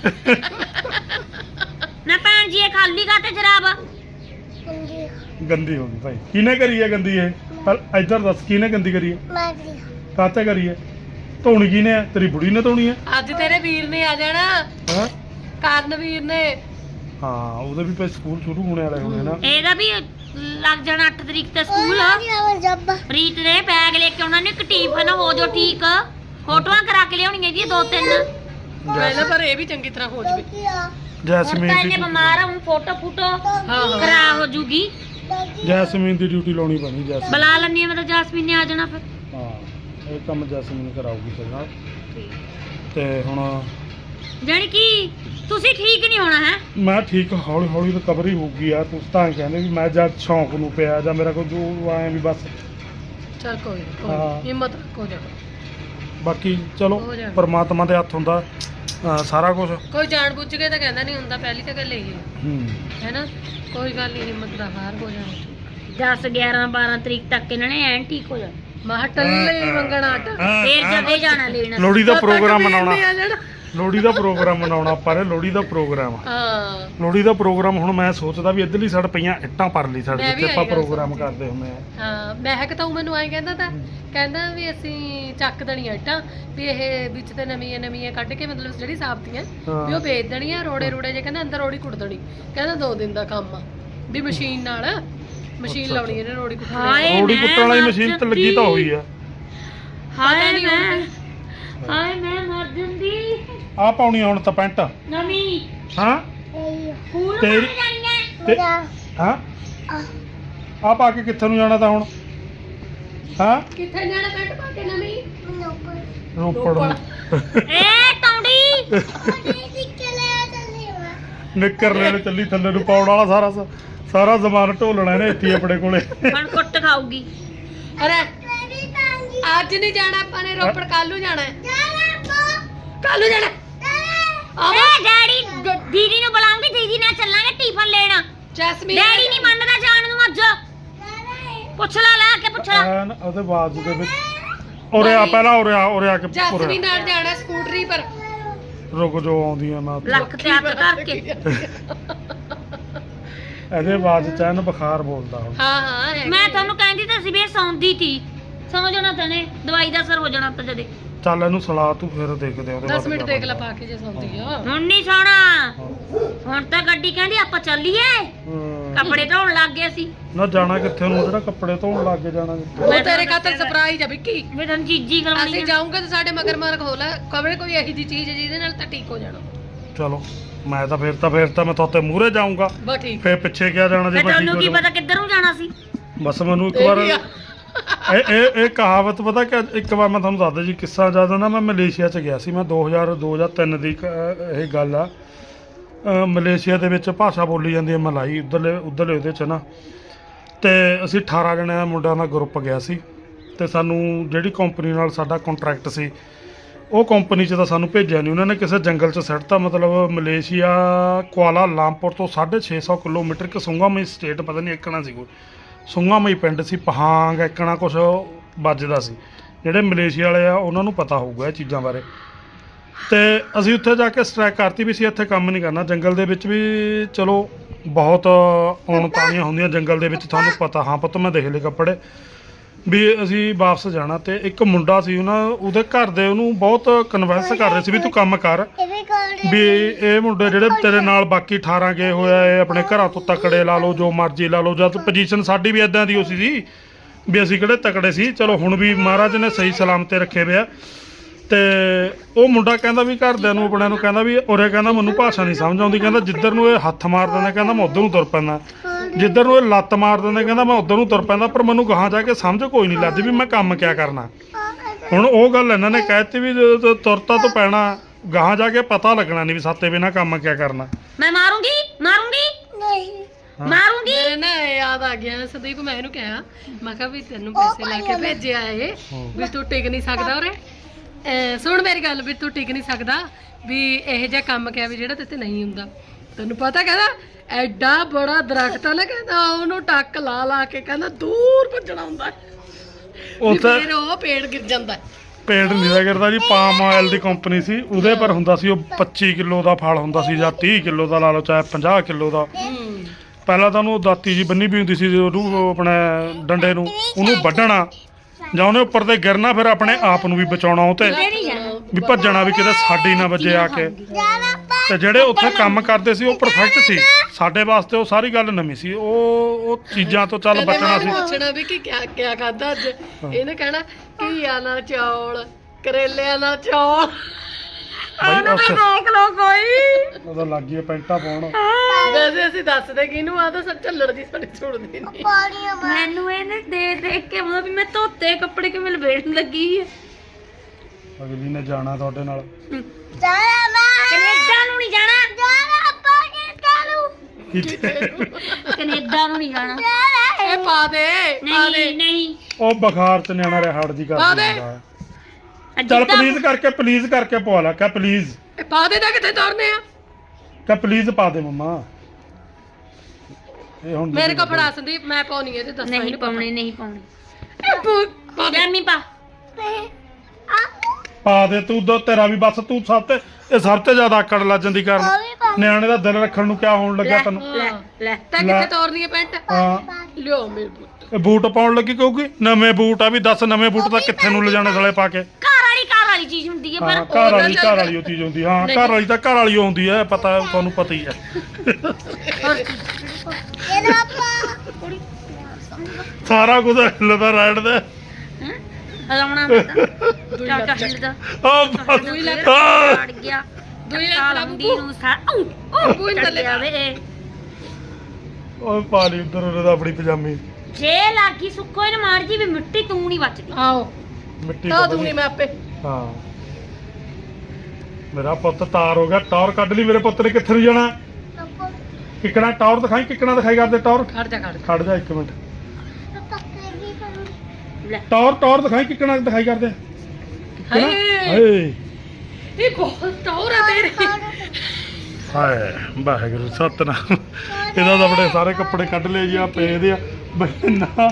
B: ਨਾ ਭੈਣ ਜੀ ਇਹ ਖਾਲੀ ਕਾਤੇ ਜਰਾਬ?
A: ਗੰਦੀ ਹੋ ਗਈ ਭਾਈ। ਕਿਹਨੇ ਕਰੀ ਹੈ ਗੰਦੀ ਇਹ? ਪਰ ਇੱਧਰ ਦੱਸ ਕਿਹਨੇ ਗੰਦੀ ਕਰੀ ਹੈ? ਕਾਤੇ ਕਰੀ ਹੈ? ਧੋਣੀ ਕਿਹਨੇ ਹੈ? ਤੇਰੀ ਬੁੜੀ ਨੇ ਧੋਣੀ ਹੈ?
C: ਅੱਜ ਤੇਰੇ ਵੀਰ ਨੇ ਆ ਜਾਣਾ,
A: ਹਾਂ
C: ਕਰਨਵੀਰ ਨੇ।
A: ਹਾਂ ਉਹਦੇ ਵੀ ਭਾਈ ਸਕੂਲ ਸ਼ੁਰੂ ਹੋਣੇ ਵਾਲੇ ਹੋਣੇ ਨਾ।
B: ਇਹਦਾ ਵੀ ਲੱਗ ਜਾਣਾ 8 ਤਰੀਕ ਤੇ ਸਕੂਲ। ਪ੍ਰੀਤ ਦੇ ਬੈਗ ਲੈ ਕੇ ਉਹਨਾਂ ਨੇ ਇੱਕ ਟਿਫਨ ਹੋ ਜੋ ਠੀਕ, ਫੋਟੋਆਂ ਕਰਾ ਕੇ ਲਿਆਉਣੀਆਂ ਜੀ 2-3।
C: ਪਹਿਲਾਂ ਪਰ ਇਹ ਵੀ ਚੰਗੀ ਤਰ੍ਹਾਂ ਹੋ ਜਵੇ।
B: ਹੁਣ
A: ਜੈਸਮੀਨ
B: ਤਾਂ ਇਹਨੇ
A: ਦੀ
B: ਬਿਮਾਰ ਆ, ਹੁਣ ਫੋਟੋ
C: ਹਾਂ
B: ਕਰਾ ਹੋ ਜੂਗੀ।
A: ਜੈਸਮੀਨ ਦੀ ਡਿਊਟੀ ਲਾਉਣੀ ਪੈਣੀ। ਜੈਸਮੀਨ
B: ਬੁਲਾ ਲੈਣੀ ਮੈਂ ਤਾਂ ਜਾਸਮੀਨ ਨੇ ਆ ਜਾਣਾ ਫਿਰ।
A: ਹਾਂ ਇਹ ਕੰਮ ਜੈਸਮੀਨ ਕਰਾਊਗੀ ਤੇਰੇ ਨਾਲ। ਤੇ ਹੁਣ
B: ਜਾਣੀ ਕਿ ਤੁਸੀਂ ਠੀਕ ਨਹੀਂ ਹੋਣਾ ਹੈ।
A: ਮੈਂ ਠੀਕ ਹੌਲੀ ਹੌਲੀ ਰਿਕਵਰੀ ਹੋਊਗੀ ਯਾਰ। ਤੁਸੀਂ ਤਾਂ ਕਹਿੰਦੇ ਵੀ ਮੈਂ ਜਦ ਸ਼ੌਂਕ ਨੂੰ ਪਿਆ ਜਾਂ ਮੇਰਾ ਕੋਈ ਜੋ ਆਏ ਵੀ ਬਸ।
C: ਚਲ ਕੋਈ ਨੀ, ਕੋਈ
A: ਹਾਂ।
C: ਨੀ, ਹਿੰਮਤ ਰੱਖੋ ਜਾ।
A: ਬਾਕੀ ਚਲੋ
C: ਹੋ ਜਾਣਾ।
A: ਪਰਮਾਤਮਾ ਦੇ ਹੱਥ ਹੁੰਦਾ ਸਾਰਾ ਕੁਝ।
C: ਕੋਈ ਜਾਣ ਬੁੱਝ ਕੇ ਤਾਂ ਕਹਿੰਦਾ ਨਹੀਂ ਹੁੰਦਾ, ਪਹਿਲੀ ਤਾਂ ਗੱਲ ਇਹ
A: ਹੂੰ
C: ਹੈ ਨਾ। ਕੋਈ ਗੱਲ ਨਹੀਂ, ਹਿੰਮਤ ਦਾ ਹਾਰ ਹੋ ਜਾਣਾ।
B: 10 11 12 ਤਰੀਕ ਤੱਕ ਇਹਨਾਂ ਨੇ ਐਨ ਠੀਕ ਹੋ ਜਾਣਾ।
C: ਮਾਹ ਟੱਲੇ ਮੰਗਣਾ ਆਟਾ
B: ਫੇਰ ਜਦੇ ਜਾਣਾ ਲੈਣਾ।
A: ਲੋਹੜੀ ਦਾ
C: ਜਦ ਤੱਕ
A: ਪ੍ਰੋਗਰਾਮ
C: ਵੀਰ
A: ਮਨਾਉਣਾ।
C: ਨੇ ਆ ਜਾਣਾ।
A: ਲੋਹੜੀ ਦਾ ਪ੍ਰੋਗਰਾਮ ਮਨਾਉਣਾ ਆਪਾਂ ਨੇ। ਲੋਹੜੀ ਦਾ ਪ੍ਰੋਗਰਾਮ
C: ਹਾਂ
A: ਲੋਹੜੀ ਦਾ ਪ੍ਰੋਗਰਾਮ ਹੁਣ ਮੈਂ ਸੋਚਦਾ ਵੀ ਇੱਧਰਲੀ ਸਾਈਡ ਪਈਆਂ ਇੱਟਾਂ ਪਰ ਲਈ ਸਾਡੇ
C: ਮੈਂ ਵੀ
A: ਜਿੱਥੇ ਆਪਾਂ
C: ਆਈ ਗੱਲ
A: ਪ੍ਰੋਗਰਾਮ
C: ਸੋਚੀ।
A: ਕਰਦੇ ਹੁੰਦੇ ਆ।
C: ਹਾਂ ਮਹਿਕ ਤਾਂ ਉਹ ਮੈਨੂੰ ਐਂ ਕਹਿੰਦਾ ਤਾਂ, ਕਹਿੰਦਾ ਵੀ ਅਸੀਂ ਚੱਕ ਦੇਣੀਆਂ ਇੱਟਾਂ, ਵੀ ਇਹ ਵਿੱਚ ਤੇ ਨਵੀਆਂ ਨਵੀਆਂ ਕੱਢ ਕੇ ਮਤਲਬ ਜਿਹੜੀ ਸਾਬਤੀਆਂ ਵੀ ਉਹ ਵੇਚ ਦੇਣੀਆਂ, ਰੋੜੇ ਰੋੜੇ ਜੇ ਕਹਿੰਦਾ ਅੰਦਰ ਰੋੜੀ ਕੁੱਟ ਦੇਣੀ। ਕਹਿੰਦਾ 2 ਦਿਨ ਦਾ ਕੰਮ ਆ, ਵੀ ਮਸ਼ੀਨ ਨਾਲ ਮਸ਼ੀਨ
A: ਅੱਛਾ,
C: ਲਾਉਣੀ ਇਹਨੇ ਰੋੜੀ ਕੁੱਟਣੀ।
B: ਹਾਏ
A: ਰੋੜੀ
B: ਮੈਂ
A: ਕੁੱਟਣ ਵਾਲੀ
B: ਮਰ
A: ਮਸ਼ੀਨ ਤੇ ਲੱਗੀ ਤਾਂ ਹੋਈ ਆ।
B: ਹਾਏ
C: ਨੀ
B: ਮੈਂ ਹਾਏ ਮੈਂ ਮਰ ਜਾਂਦੀ।
A: ਆ ਪਾਉਣੀ ਹੁਣ ਤਾਂ ਪੈਂਟ।
B: ਨਵੀਂ
A: ਹਾਂ
B: ਸਕੂਲ
A: ਤੇਰੀ-
B: ਬਣ ਜਾਣੀਆਂ।
A: ਤੇ ਹਾਂ ਆ ਪਾ ਕੇ ਕਿੱਥੇ ਨੂੰ ਜਾਣਾ ਤਾਂ ਹੁਣ? ਹਾਂ
C: ਕਿੱਥੇ ਜਾਣਾ ਪੈਂਟ ਪਾ ਕੇ ਨਵੀਂ?
A: ਰੋਪੜ ਨੂੰ।
B: ਏ ਟੌਂਡੀ
A: ਨਿੱਕਰ ਲੈਣ ਚੱਲੀ ਥੱਲੇ ਨੂੰ ਪਾਉਣ ਵਾਲਾ ਸਾਰਾ ਜ਼ਮਾਨ ਢੋਲਣਾ ਇਹਨੇ ਇੱਥੇ ਹੀ ਆਪਣੇ ਕੋਲੇ।
B: ਹੁਣ ਕੁੱਟ ਖਾਊਗੀ।
C: ਅਰੇ ਅੱਜ ਨਹੀਂ ਜਾਣਾ ਆਪਾਂ ਨੇ, ਰੋਪੜ ਕੱਲ ਨੂੰ ਜਾਣਾ ਹੈ। ਕੱਲ ਨੂੰ ਜਾਣਾ
B: ਏ ਡੈਡੀ ਦੀਦੀ ਨੂੰ ਬੁਲਾਉਂਗੀ, ਦੀਦੀ ਨਾਲ ਚੱਲਾਂਗੇ ਟਿਫਨ ਲੈਣ।
C: ਜੈਸਮੀਨ
B: ਡੈਡੀ ਨਹੀਂ ਮੰਨਦਾ ਜਾਣ ਨੂੰ ਅੱਜ। ਪੁੱਛ ਲੈ ਕੇ ਪੁੱਛ ਲੈ।
A: ਐਨ ਉਹਦੇ ਬਾਅਦ ਦੇ ਵਿੱਚ ਉਰੇ ਆ ਪਹਿਲਾਂ ਉਰੇ ਆ ਕੇ
C: ਜੈਸਮੀਨ ਨਾਲ ਜਾਣਾ ਸਕੂਟਰੀ ਪਰ।
A: ਰੁਕ ਜੋ ਆਉਂਦੀ ਆ ਮੈਂ ਉੱਥੇ।
B: ਲੱਕ ਤੇ ਹੱਥ ਕਰਕੇ।
A: ਇਹਦੇ ਬਾਅਦ ਚ ਐਨ ਬੁਖਾਰ ਬੋਲਦਾ ਹੁਣ।
C: ਹਾਂ ਹਾਂ ਹੈ।
B: ਮੈਂ ਤੁਹਾਨੂੰ ਕਹਿੰਦੀ ਤਾਂ ਸੀ ਵੀ ਇਹ ਸੌਂਦੀ ਤੀ। ਸਮਝ ਜਾਣਾ ਤੈਨੇ, ਦਵਾਈ ਦਾ ਅਸਰ ਹੋ ਜਾਣਾ ਤਾਂ ਜਦੇ।
A: ਚੱਲ ਇਹਨੂੰ ਸਲਾ ਤੂੰ ਫਿਰ ਦੇਖਦੇ ਆ ਉਹਦੇ
C: 10 ਮਿੰਟ
A: ਕਿਆ
C: ਦੇਖ ਲੈ
A: ਬਣਦਾ।
C: ਪਾ ਕੇ ਜੇ ਸੌਂਦੀ ਆ।
B: ਹੁਣ ਨਹੀਂ ਸੌਣਾ। ਹੁਣ ਤਾਂ ਗੱਡੀ ਕਹਿੰਦੀ ਆਪਾਂ ਚੱਲੀਏ।
A: ਹੂੰ।
B: ਕੱਪੜੇ ਧੋਣ ਲੱਗ ਗਏ ਸੀ।
A: ਨਾ ਜਾਣਾ ਕਿੱਥੇ ਨੂੰ? ਜਿਹੜਾ ਕੱਪੜੇ ਧੋਣ ਲੱਗ ਕੇ ਜਾਣਾ ਕਿੱਥੇ?
C: ਉਹ ਤੇਰੇ ਖਾਤਰ ਸਰਪ੍ਰਾਈਜ਼ ਆ ਵਿੱਕੀ।
B: ਮੈਂ ਤੁਹਾਨੂੰ ਚੀਜ਼ੀ ਕਰਾਉਣੀ
C: ਅਸੀਂ
B: ਆ।
C: ਜਾਊਂਗੇ ਤਾਂ ਸਾਡੇ ਮਗਰ ਮਗਰ ਹੋ ਲੈ, ਕਬਰੇ ਕੋਈ ਇਹੀ ਜੀ ਚੀਜ਼ ਹੈ ਜਿਹਦੇ ਨਾਲ ਤਾਂ ਠੀਕ ਹੋ ਜਾਣਾ।
A: ਚਲੋ ਮੈਂ ਤਾਂ ਫਿਰ ਤਾਂ ਮੈਂ ਤੁਹਾਤੇ ਮੂਹਰੇ ਜਾਊਂਗਾ।
C: ਬਸ ਠੀਕ।
A: ਫਿਰ ਪਿੱਛੇ ਕਿਆ ਜਾਣਾ ਜੇ
B: ਮੈਂ
A: ਮੈਂ ਠੀਕ
B: ਤੁਹਾਨੂੰ
A: ਹੋ
B: ਕੀ
A: ਜਾਵਾਂ।
B: ਪਤਾ ਕਿੱਧਰ ਨੂੰ ਜਾਣਾ ਸੀ।
A: ਬਸ ਮੈਨੂੰ ਇੱਕ
C: ਇਹ
A: ਵਾਰ
C: ਵੀ ਆ।
A: ਇਹ ਕਹਾਵਤ ਪਤਾ ਕਿ ਇੱਕ ਵਾਰ ਮੈਂ ਤੁਹਾਨੂੰ ਦੱਸਦਾ ਜੀ ਕਿੱਸਾ। ਜਦੋਂ ਨਾ ਮੈਂ ਮਲੇਸ਼ੀਆ ਚ ਗਿਆ ਸੀ, ਮੈਂ 2003 ਦੀ ਇਹ ਗੱਲ ਆ। ਮਲੇਸ਼ੀਆ ਦੇ ਵਿੱਚ ਭਾਸ਼ਾ ਬੋਲੀ ਜਾਂਦੀ ਹੈ ਮਲਾਈ, ਉਧਰਲੇ ਉਹਦੇ ਚ ਨਾ। ਤੇ ਅਸੀਂ 18 ਜਣੇ ਦਾ ਮੁੰਡਿਆਂ ਦਾ ਗਰੁੱਪ ਗਿਆ ਸੀ। ਤੇ ਸਾਨੂੰ ਜਿਹੜੀ ਕੰਪਨੀ ਨਾਲ ਸਾਡਾ ਕੰਟਰੈਕਟ ਸੀ, ਉਹ ਕੰਪਨੀ 'ਚ ਤਾਂ ਸਾਨੂੰ ਭੇਜਿਆ ਨਹੀਂ। ਉਹਨਾਂ ਨੇ ਕਿਸੇ ਜੰਗਲ 'ਚ ਸਿੱਟਤਾ। ਮਤਲਬ ਮਲੇਸ਼ੀਆ ਕੁਆਲਾ ਲਾਮਪੁਰ ਤੋਂ 650 ਕਿਲੋਮੀਟਰ ਇੱਕ ਸੁੰਗਾਮਈ ਸਟੇਟ, ਪਤਾ ਨਹੀਂ ਇੱਕਣਾ ਸੀ ਕੋਈ ਸੁੰਗਾਮਈ ਪਿੰਡ ਸੀ, ਪਹਾਂਗ ਇੱਕਣਾ ਕੁਛ ਵੱਜਦਾ ਸੀ। ਜਿਹੜੇ ਮਲੇਸ਼ੀਆ ਵਾਲੇ ਆ ਉਹਨਾਂ ਨੂੰ ਪਤਾ ਹੋਊਗਾ ਇਹ ਚੀਜ਼ਾਂ ਬਾਰੇ। ਤੇ ਅਸੀਂ ਉੱਥੇ ਜਾ ਕੇ ਸਟ੍ਰਾਈਕ ਕਰਤੀ ਵੀ ਅਸੀਂ ਇੱਥੇ ਕੰਮ ਨਹੀਂ ਕਰਨਾ ਜੰਗਲ ਦੇ ਵਿੱਚ ਵੀ ਚਲੋ ਬਹੁਤ ਔਣਤਾਣੀਆਂ ਹੁੰਦੀਆਂ ਜੰਗਲ ਦੇ ਵਿੱਚ ਤੁਹਾਨੂੰ ਪਤਾ ਹਾਂ ਪੁੱਤ ਮੈਂ ਦੇਖ ਲਏ ਕੱਪੜੇ ਵੀ ਅਸੀਂ ਵਾਪਸ ਜਾਣਾ ਤੇ ਇੱਕ ਮੁੰਡਾ ਸੀ ਉਹਦੇ ਘਰ ਦੇ ਉਹਨੂੰ ਬਹੁਤ ਕਨਵਿੰਸ ਕਰ ਰਹੇ ਸੀ ਵੀ ਤੂੰ ਕੰਮ ਕਰ ਵੀ ਇਹ ਮੁੰਡੇ ਜਿਹੜੇ ਤੇਰੇ ਨਾਲ ਬਾਕੀ 18 ਗਏ ਹੋਇਆ ਇਹ ਆਪਣੇ ਘਰਾਂ ਤੋਂ ਤਕੜੇ ਲਾ ਲਓ ਜੋ ਮਰਜ਼ੀ ਲਾ ਲਓ ਜਦ ਪੋਜੀਸ਼ਨ ਸਾਡੀ ਵੀ ਇਦਾਂ ਦੀ ਹੋ ਸੀ ਵੀ ਅਸੀਂ ਕਿਹੜੇ ਤਕੜੇ ਸੀ ਚਲੋ ਹੁਣ ਵੀ ਮਹਾਰਾਜ ਨੇ ਸਹੀ ਸਲਾਮਤ ਤੇ ਰੱਖੇ ਵੇ ਆ ਤੇ ਉਹ ਮੁੰਡਾ ਕਹਿੰਦਾ ਵੀ ਘਰਦਿਆਂ ਨੂੰ ਆਪਣਿਆਂ ਨੂੰ ਕਹਿੰਦਾ ਵੀ ਉਰੇ ਕਹਿੰਦਾ ਮੈਨੂੰ ਭਾਸ਼ਾ ਨਹੀਂ ਸਮਝ ਆਉਂਦੀ ਕਹਿੰਦਾ ਜਿੱਧਰ ਨੂੰ ਇਹ ਹੱਥ ਮਾਰ ਦਿੰਦਾ ਕਹਿੰਦਾ ਮੈਂ ਉਧਰ ਨੂੰ ਤੁਰ ਪੈਂਦਾ ਜਿੱਧਰ ਨੂੰ ਇਹ ਲੱਤ ਮਾਰ ਦਿੰਦਾ ਕਹਿੰਦਾ ਮੈਂ ਉਧਰ ਨੂੰ ਤੁਰ ਪੈਂਦਾ ਪਰ ਮੈਨੂੰ ਗਾਹਾਂ ਜਾ ਕੇ ਸਮਝ ਕੋਈ ਨਹੀਂ ਲੱਗਦੀ ਵੀ ਮੈਂ ਕੰਮ ਕਿਆ ਕਰਨਾ ਹੁਣ ਉਹ ਗੱਲ ਇਹਨਾਂ ਨੇ ਕਹਿਤੀ ਵੀ ਜਦੋਂ ਤੁਰਤਾ ਤੋਂ ਪੈਣਾ ਗਾਹਾਂ ਜਾ ਕੇ ਪਤਾ ਲੱਗਣਾ ਨਹੀਂ ਵੀ ਸਾਤੇ ਬਿਨਾ ਕੰਮ ਕਿਆ ਕਰਨਾ
B: ਮੈਂ ਮਾਰੂੰਗੀ ਨਹੀਂ ਮਾਰੂੰਗੀ
C: ਮੇਰੇ ਨਾ ਯਾਦ ਆ ਗਿਆ ਸੰਦੀਪ ਮੈਂ ਇਹਨੂੰ ਕਿਹਾ ਮੈਂ ਕਿਹਾ ਵੀ ਤੈਨੂੰ ਪੈਸੇ ਲਾ ਕੇ ਭੇਜਿਆ ਇਹ ਵੀ ਤੂੰ ਟਿਕ ਨਹੀਂ ਸਕਦਾ ਉਰੇ ਸੁਣ ਮੇਰੀ ਗੱਲ ਵੀ ਤੂੰ ਟਿਕ ਨਹੀਂ ਸਕਦਾ ਵੀ ਇਹ ਜਿਹਾ ਕੰਮ ਕਿਹਾ ਵੀ ਜਿਹੜਾ ਤੇਤੇ ਨਹੀਂ ਹੁੰਦਾ ਤੈਨੂੰ ਪਤਾ ਕਹਿੰਦਾ ਐਡਾ ਬੜਾ ਦਰਖਤ ਆ ਨਾ ਕਹਿੰਦਾ ਉਹਨੂੰ ਟੱਕ ਲਾ ਕੇ ਕਹਿੰਦਾ ਦੂਰ ਭੱਜਣਾ ਹੁੰਦਾ
A: ਉੱਥੇ
C: ਫਿਰ ਉਹ ਪੇੜ ਗਿਰ ਜਾਂਦਾ
A: ਪੇੜ ਨਹੀਂ ਕਰਦਾ ਜੀ ਪਾਮ ਆਇਲ ਦੀ ਕੰਪਨੀ ਸੀ ਉਹਦੇ ਪਰ ਹੁੰਦਾ ਸੀ ਉਹ 25 ਕਿਲੋ ਦਾ ਫਲ ਹੁੰਦਾ ਸੀ ਜਾਂ 30 ਕਿਲੋ ਦਾ ਲਾ ਲਓ ਚਾਹੇ 50 ਕਿਲੋ ਦਾ ਪਹਿਲਾਂ ਤਾਂ ਉਹਨੂੰ ਦਾਤੀ ਜੀ ਬੰਨੀ ਵੀ ਹੁੰਦੀ ਸੀ ਉਹਨੂੰ ਆਪਣੇ ਡੰਡੇ ਨੂੰ ਉਹਨੂੰ ਵੱਢਣਾ ਜਾਂ ਉਹਨੇ ਉੱਪਰ ਤੇ ਗਿਰਨਾ ਫਿਰ ਆਪਣੇ ਆਪ ਨੂੰ ਵੀ ਬਚਾਉਣਾ ਉਹ ਤੇ ਵੀ ਭੱਜਣਾ ਵੀ ਕਿਤੇ ਸਾਡੀ ਨਾ ਵੱਜੇ ਆ ਕੇ ਤੇ ਜਿਹੜੇ ਉੱਥੇ ਕੰਮ ਕਰਦੇ ਸੀ ਉਹ ਪਰਫੈਕਟ ਸੀ ਸਾਡੇ ਵਾਸਤੇ ਉਹ ਸਾਰੀ ਗੱਲ ਨਵੀਂ ਸੀ ਉਹ ਚੀਜ਼ਾਂ ਤੋਂ ਚੱਲ ਬਚਣਾ ਸੀ
C: ਪੁੱਛਣਾ ਵੀ ਕਿ ਕਿਆ ਖਾਦਾ ਅੱਜ ਇਹਨੇ ਕਹਿਣਾ ਘੀਆ ਨਾਲ ਚੌਲ ਕਰੇਲਿਆਂ ਨਾਲ ਚੌਲ
A: ਬਈ ਉਸ
B: ਦੇਖ ਲੋ ਕੋਈ
A: ਉਹਦਾ ਲੱਗ ਗਈ ਪੈਂਟਾ ਪਾਉਣ
C: ਵੈਸੇ ਅਸੀਂ ਦੱਸਦੇ ਕਿਹਨੂੰ ਆ ਤਾਂ ਸੱਚ ਝੱਲੜ ਦੀ ਸਾਡੀ ਛੋੜਦੀ ਨਹੀਂ
B: ਮੈਨੂੰ ਇਹਨੇ ਦੇਖ ਕੇ ਮਤਲਬ ਵੀ ਮੈਂ ਧੋਤੇ ਕੱਪੜੇ ਕਿਵੇਂ ਲਪੇਟਣ ਲੱਗੀ ਹੈ
A: ਅਗਲੀ ਨੇ ਜਾਣਾ ਤੁਹਾਡੇ ਨਾਲ
B: ਕੈਨੇਡਾ ਨੂੰ ਨਹੀਂ ਜਾਣਾ ਕੈਨੇਡਾ ਨੂੰ ਨਹੀਂ ਜਾਣਾ
C: ਇਹ ਪਾ ਦੇ
B: ਨਹੀਂ
A: ਉਹ ਬੁਖਾਰ ਚ ਨਿਆਣਾ ਰਿਹਾ ਹੜ ਜੀ
C: ਪਾ ਦੇ।
A: ਕਰਦਾ ਚੱਲ ਪਲੀਜ਼ ਕਰਕੇ ਪਵਾ ਲਾ ਕਹ ਪਲੀਜ਼
C: ਇਹ ਪਾ ਦੇ ਤਾਂ ਕਿੱਥੇ ਤੁਰਨੇ ਆ
A: ਕਹ ਪਲੀਜ਼ ਪਾ ਦੇ ਮੰਮਾ ਇਹ ਹੁਣ
C: ਮੇਰੇ ਕੋਲ ਫੜਾ ਸੰਦੀਪ ਮੈਂ ਪਾਉਣੀ ਹੈ ਤੇ ਦੱਸ
B: ਨਹੀਂ ਪਾਉਣੀ
C: ਪਾ ਦੇ
B: ਗਰਮੀ ਪਾ
A: ਪਾ ਦੇ ਤੂੰ ਤੇਰਾ ਵੀ ਬਸ ਤੂੰ ਇਹ ਸਭ ਤੋਂ ਜ਼ਿਆਦਾ ਆਕੜ ਲੱਜ ਜਾਂਦੀ ਕਰਨ ਨਿਆਣੇ ਦਾ ਦਿਲ ਰੱਖਣ ਨੂੰ ਕਿਆ ਹੋਣ ਲੱਗਾ ਤੈਨੂੰ
B: ਲੈ
C: ਤਾਂ ਕਿੱਥੇ ਤੋਰਨੀ ਹੈ ਪੈਂਟ
A: ਹਾਂ
C: ਲਿਓ ਮੇਰੇ ਪੁੱਤ
A: ਇਹ ਬੂਟ ਪਾਉਣ ਲੱਗੀ ਕਹੂਗੀ ਨਵੇਂ ਬੂਟ ਆ ਵੀ ਦੱਸ ਨਵੇਂ ਬੂਟ ਤਾਂ ਕਿੱਥੇ ਨੂੰ ਲਿਜਾਣੇ ਸਾਲੇ ਪਾ ਕੇ
B: ਘਰ ਵਾਲੀ ਚੀਜ਼ ਹੁੰਦੀ ਹੈ
A: ਹਾਂ
B: ਪਰ
A: ਘਰ ਵਾਲੀ ਉਹ ਚੀਜ਼ ਹੁੰਦੀ ਹਾਂ ਘਰ ਵਾਲੀ ਤਾਂ ਘਰ ਵਾਲੀ ਓ ਹੁੰਦੀ ਹੈ ਪਤਾ ਤੁਹਾਨੂੰ ਪਤਾ ਹੀ ਹੈ ਸਾਰਾ ਕੁਝ ਹਿੱਲਦਾ ਰਾਈਡ ਦੇ
B: ਹਲਾਉਣਾ ਮੈਂ ਤਾਂ ਹਿੱਲਦਾ ਅੜ ਗਿਆ
C: ਦੂਈ
B: ਸਾਲ
C: ਲੱਤ
B: ਹੁੰਦੀ ਨੂੰ ਉਹ
C: ਬੂਈ ਥੱਲੇ
B: ਜਾਵੇ
A: ਓਏ ਪਾ ਲਈ ਉਧਰ ਉਹਦਾ ਆਪਣੀ ਪਜਾਮੀ
B: ਜੇ ਲਾਗੀ ਸੁੱਕੋ ਇਹਨੇ ਮਾਰ ਜੀ ਵੀ ਮਿੱਟੀ ਤੂੰ ਨਹੀਂ ਬਚਦੀ
C: ਆਓ
A: ਮਿੱਟੀ
C: ਤਾਂ ਦੂੰਗੀ ਮੈਂ ਆਪੇ
A: ਹਾਂ ਮੇਰਾ ਪੁੱਤ ਤਾਰ ਹੋ ਗਿਆ ਟੌਰ ਕੱਢ ਲਈ ਮੇਰੇ ਪੁੱਤ ਨੇ ਕਿੱਥੇ ਨੂੰ ਜਾਣਾ ਕਿੱਕਣਾ ਟੌਰ ਦਿਖਾਈ ਕਿੱਕਣਾ ਦਿਖਾਈ ਕਰਦੇ ਟੌਰ
C: ਖੜ ਜਾ
A: ਖੜ ਜਾ 1 ਮਿੰਟ
B: ਲੈ
A: ਟੌਰ ਦਿਖਾਈ ਕਿੱਕਣਾ ਦਿਖਾਈ ਕਰਦੇ
C: ਹਾਏ
A: ਹਾਏ
C: ਇਹ ਬਹੁਤ ਟੌਰ ਆ ਤੇਰੀ
A: ਹਾਏ ਵਾਹਿਗੁਰੂ ਸਤਨਾਮ ਇਹਦਾ ਤਾਂ ਬੜੇ ਸਾਰੇ ਕੱਪੜੇ ਕੱਢ ਲਏ ਜੀ ਆ ਪਏ ਦੇ ਆ ਬਣਾ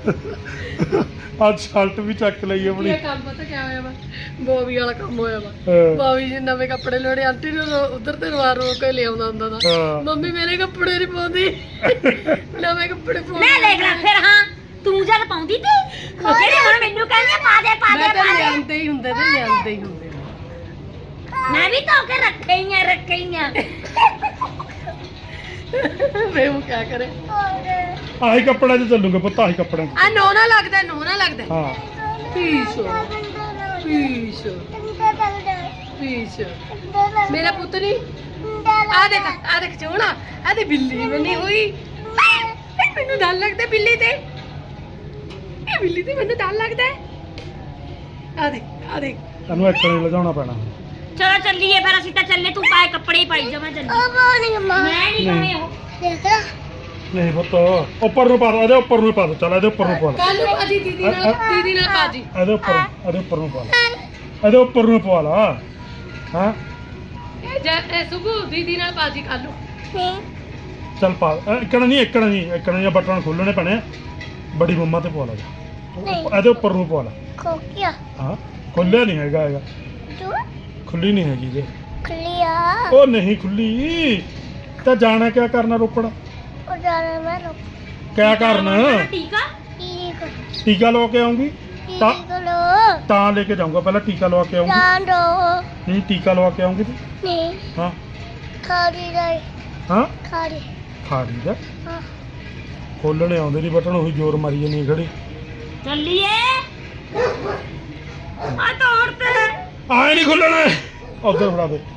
A: ਅੱਜ ਸ਼ਰਟ ਵੀ ਚੱਕ ਲਈ ਆਪਣੀ
C: ਇਹ ਕੰਮ ਪਤਾ ਕਿਆ ਹੋਇਆ ਵਾ ਬੋਬੀ ਵਾਲਾ ਕੰਮ ਹੋਇਆ ਵਾ
A: ਹਾਂ।
C: ਬੋਬੀ ਜੀ ਨਵੇਂ ਕੱਪੜੇ ਲੋੜੇ ਆਂਟੀ ਨੂੰ ਉਧਰ ਤੇ ਰੋ ਕੇ ਲਿਆਉਂਦਾ ਹੁੰਦਾ ਦਾ
A: ਹਾਂ।
C: ਮੰਮੀ ਮੇਰੇ ਕੱਪੜੇ ਨਹੀਂ ਪਾਉਂਦੀ ਨਵੇਂ ਕੱਪੜੇ ਪਾਉਂਦੀ
B: ਮੈਂ ਦੇਖ ਲੈ ਫਿਰ ਹਾਂ ਤੂੰ ਜਦ ਪਾਉਂਦੀ ਤੀ ਜਿਹੜੀ ਹੁਣ ਮੈਨੂੰ ਕਹਿੰਦੀ ਪਾ ਦੇ
C: ਮੈਂ ਤਾਂ ਲਿਆਂਦੇ ਹੀ ਹੁੰਦੇ ਤੇ ਲਿਆਂਦੇ ਹੀ ਹੁੰਦੇ
B: ਮੈਂ ਵੀ ਧੋ ਕੇ ਰੱਖਈਆਂ
C: ਵੇ ਉਹ ਕਿਆ ਕਰੇ
A: ਆਹੀ ਕੱਪੜਿਆਂ 'ਚ ਚੱਲੂਗੇ ਪੁੱਤ ਆਹੀ ਕੱਪੜਿਆਂ 'ਚ
C: ਆ ਨੋਨਾ ਲੱਗਦਾ
A: ਹਾਂ
C: ਪੀਸ ਮੇਰਾ ਪੁੱਤ ਨਹੀਂ ਆ ਦੇਖ ਚੋਣਾ ਆ ਤੇ ਬਿੱਲੀ ਬਣੀ ਹੋਈ ਮੈਨੂੰ ਡਰ ਲੱਗਦਾ ਬਿੱਲੀ ਤੇ ਇਹ ਬਿੱਲੀ ਤੇ ਮੈਨੂੰ ਡਰ ਲੱਗਦਾ ਆ ਦੇਖ
A: ਤੈਨੂੰ ਇੱਕ ਨੇ ਲਿਜਾਉਣਾ ਪੈਣਾ
B: ਚਲੋ ਚੱਲੀਏ ਫਿਰ ਅਸੀਂ ਤਾਂ ਚੱਲੇ ਤੂੰ ਪਾਏ ਕੱਪੜੇ ਹੀ ਪਾਈ ਜਾ ਮੈਂ ਚੱਲੀ ਮੈਂ ਨਹੀਂ ਪਾਉਣੇ ਉਹ
A: ਨਹੀਂ ਪੁੱਤ ਉੱਪਰ ਨੂੰ ਪਾ ਦੋ ਇਹਦੇ ਉੱਪਰ ਨੂੰ ਪਾ ਦੋ ਚੱਲ ਇਹਦੇ ਉੱਪਰ ਨੂੰ ਪਾ
C: ਕੱਲ ਨੂੰ ਭਾਜੀ ਦੀਦੀ ਨਾਲ ਭਾਜੀ
A: ਇਹਦੇ ਉੱਪਰ ਨੂੰ ਪਾ ਲਾ ਇਹਦੇ ਉੱਪਰ ਨੂੰ ਪਾ ਲਾ ਹਾਂ
C: ਇਹ ਸੁਭੂ ਦੀਦੀ ਨਾਲ ਭਾਜੀ ਕੱਲ ਨੂੰ
A: ਚੱਲ ਪਾ ਇੱਕਣਾ ਨਹੀਂ ਬਟਨ ਖੋਲਣੇ ਪੈਣੇ ਆ। ਬੜੀ ਮੰਮਾ ਤੇ ਪਾ ਲਾ ਇਹਦੇ ਉੱਪਰ ਨੂੰ ਪਾ ਲਾ ਹਾਂ ਖੋਲਿਆ ਨਹੀਂ ਹੈਗਾ ਖੁੱਲੀ ਨਹੀਂ ਹੈਗੀ ਜੇ
D: ਖੁੱਲੀ ਆ
A: ਉਹ ਨਹੀਂ ਖੁੱਲੀ ਤਾਂ ਜਾਣਾ ਕਿਆ ਕਰਨਾ ਰੋਪੜ
D: ਉਹ ਜਾਣਾ ਮੈਂ ਰੋ
A: ਕਿਆ ਕਰਨਾ
B: ਟੀਕਾ
D: ਠੀਕ
A: ਟੀਕਾ ਲਵਾ ਕੇ ਆਉਂਗੀ ਤਾਂ
D: ਠੀਕ ਲੋ
A: ਤਾਂ ਲੈ ਕੇ ਜਾਊਂਗਾ ਪਹਿਲਾਂ ਟੀਕਾ ਲਵਾ ਕੇ ਆਉਂਗੀ
D: ਜਾਣ ਦੋ
A: ਨਹੀਂ ਟੀਕਾ ਲਵਾ ਕੇ ਆਉਂਗੀ ਤੂੰ
D: ਨਹੀਂ
A: ਹਾਂ
D: ਖਾਲੀ ਰਹੀ
A: ਹਾਂ
D: ਖਾਲੀ
A: ਖਾੜੀ ਦਾ
D: ਹਾਂ
A: ਖੋਲਣੇ ਆਉਂਦੇ ਨਹੀਂ ਬਟਨ ਉਹੀ ਜ਼ੋਰ ਮਾਰੀ ਜਾਨੀ ਖੜੀ
B: ਚੱਲੀਏ ਆ ਤੋੜ ਤੇ
A: ਆਏ ਨਹੀਂ ਖੁੱਲਣਾ ਉਧਰ ਫੜਾ ਦੇ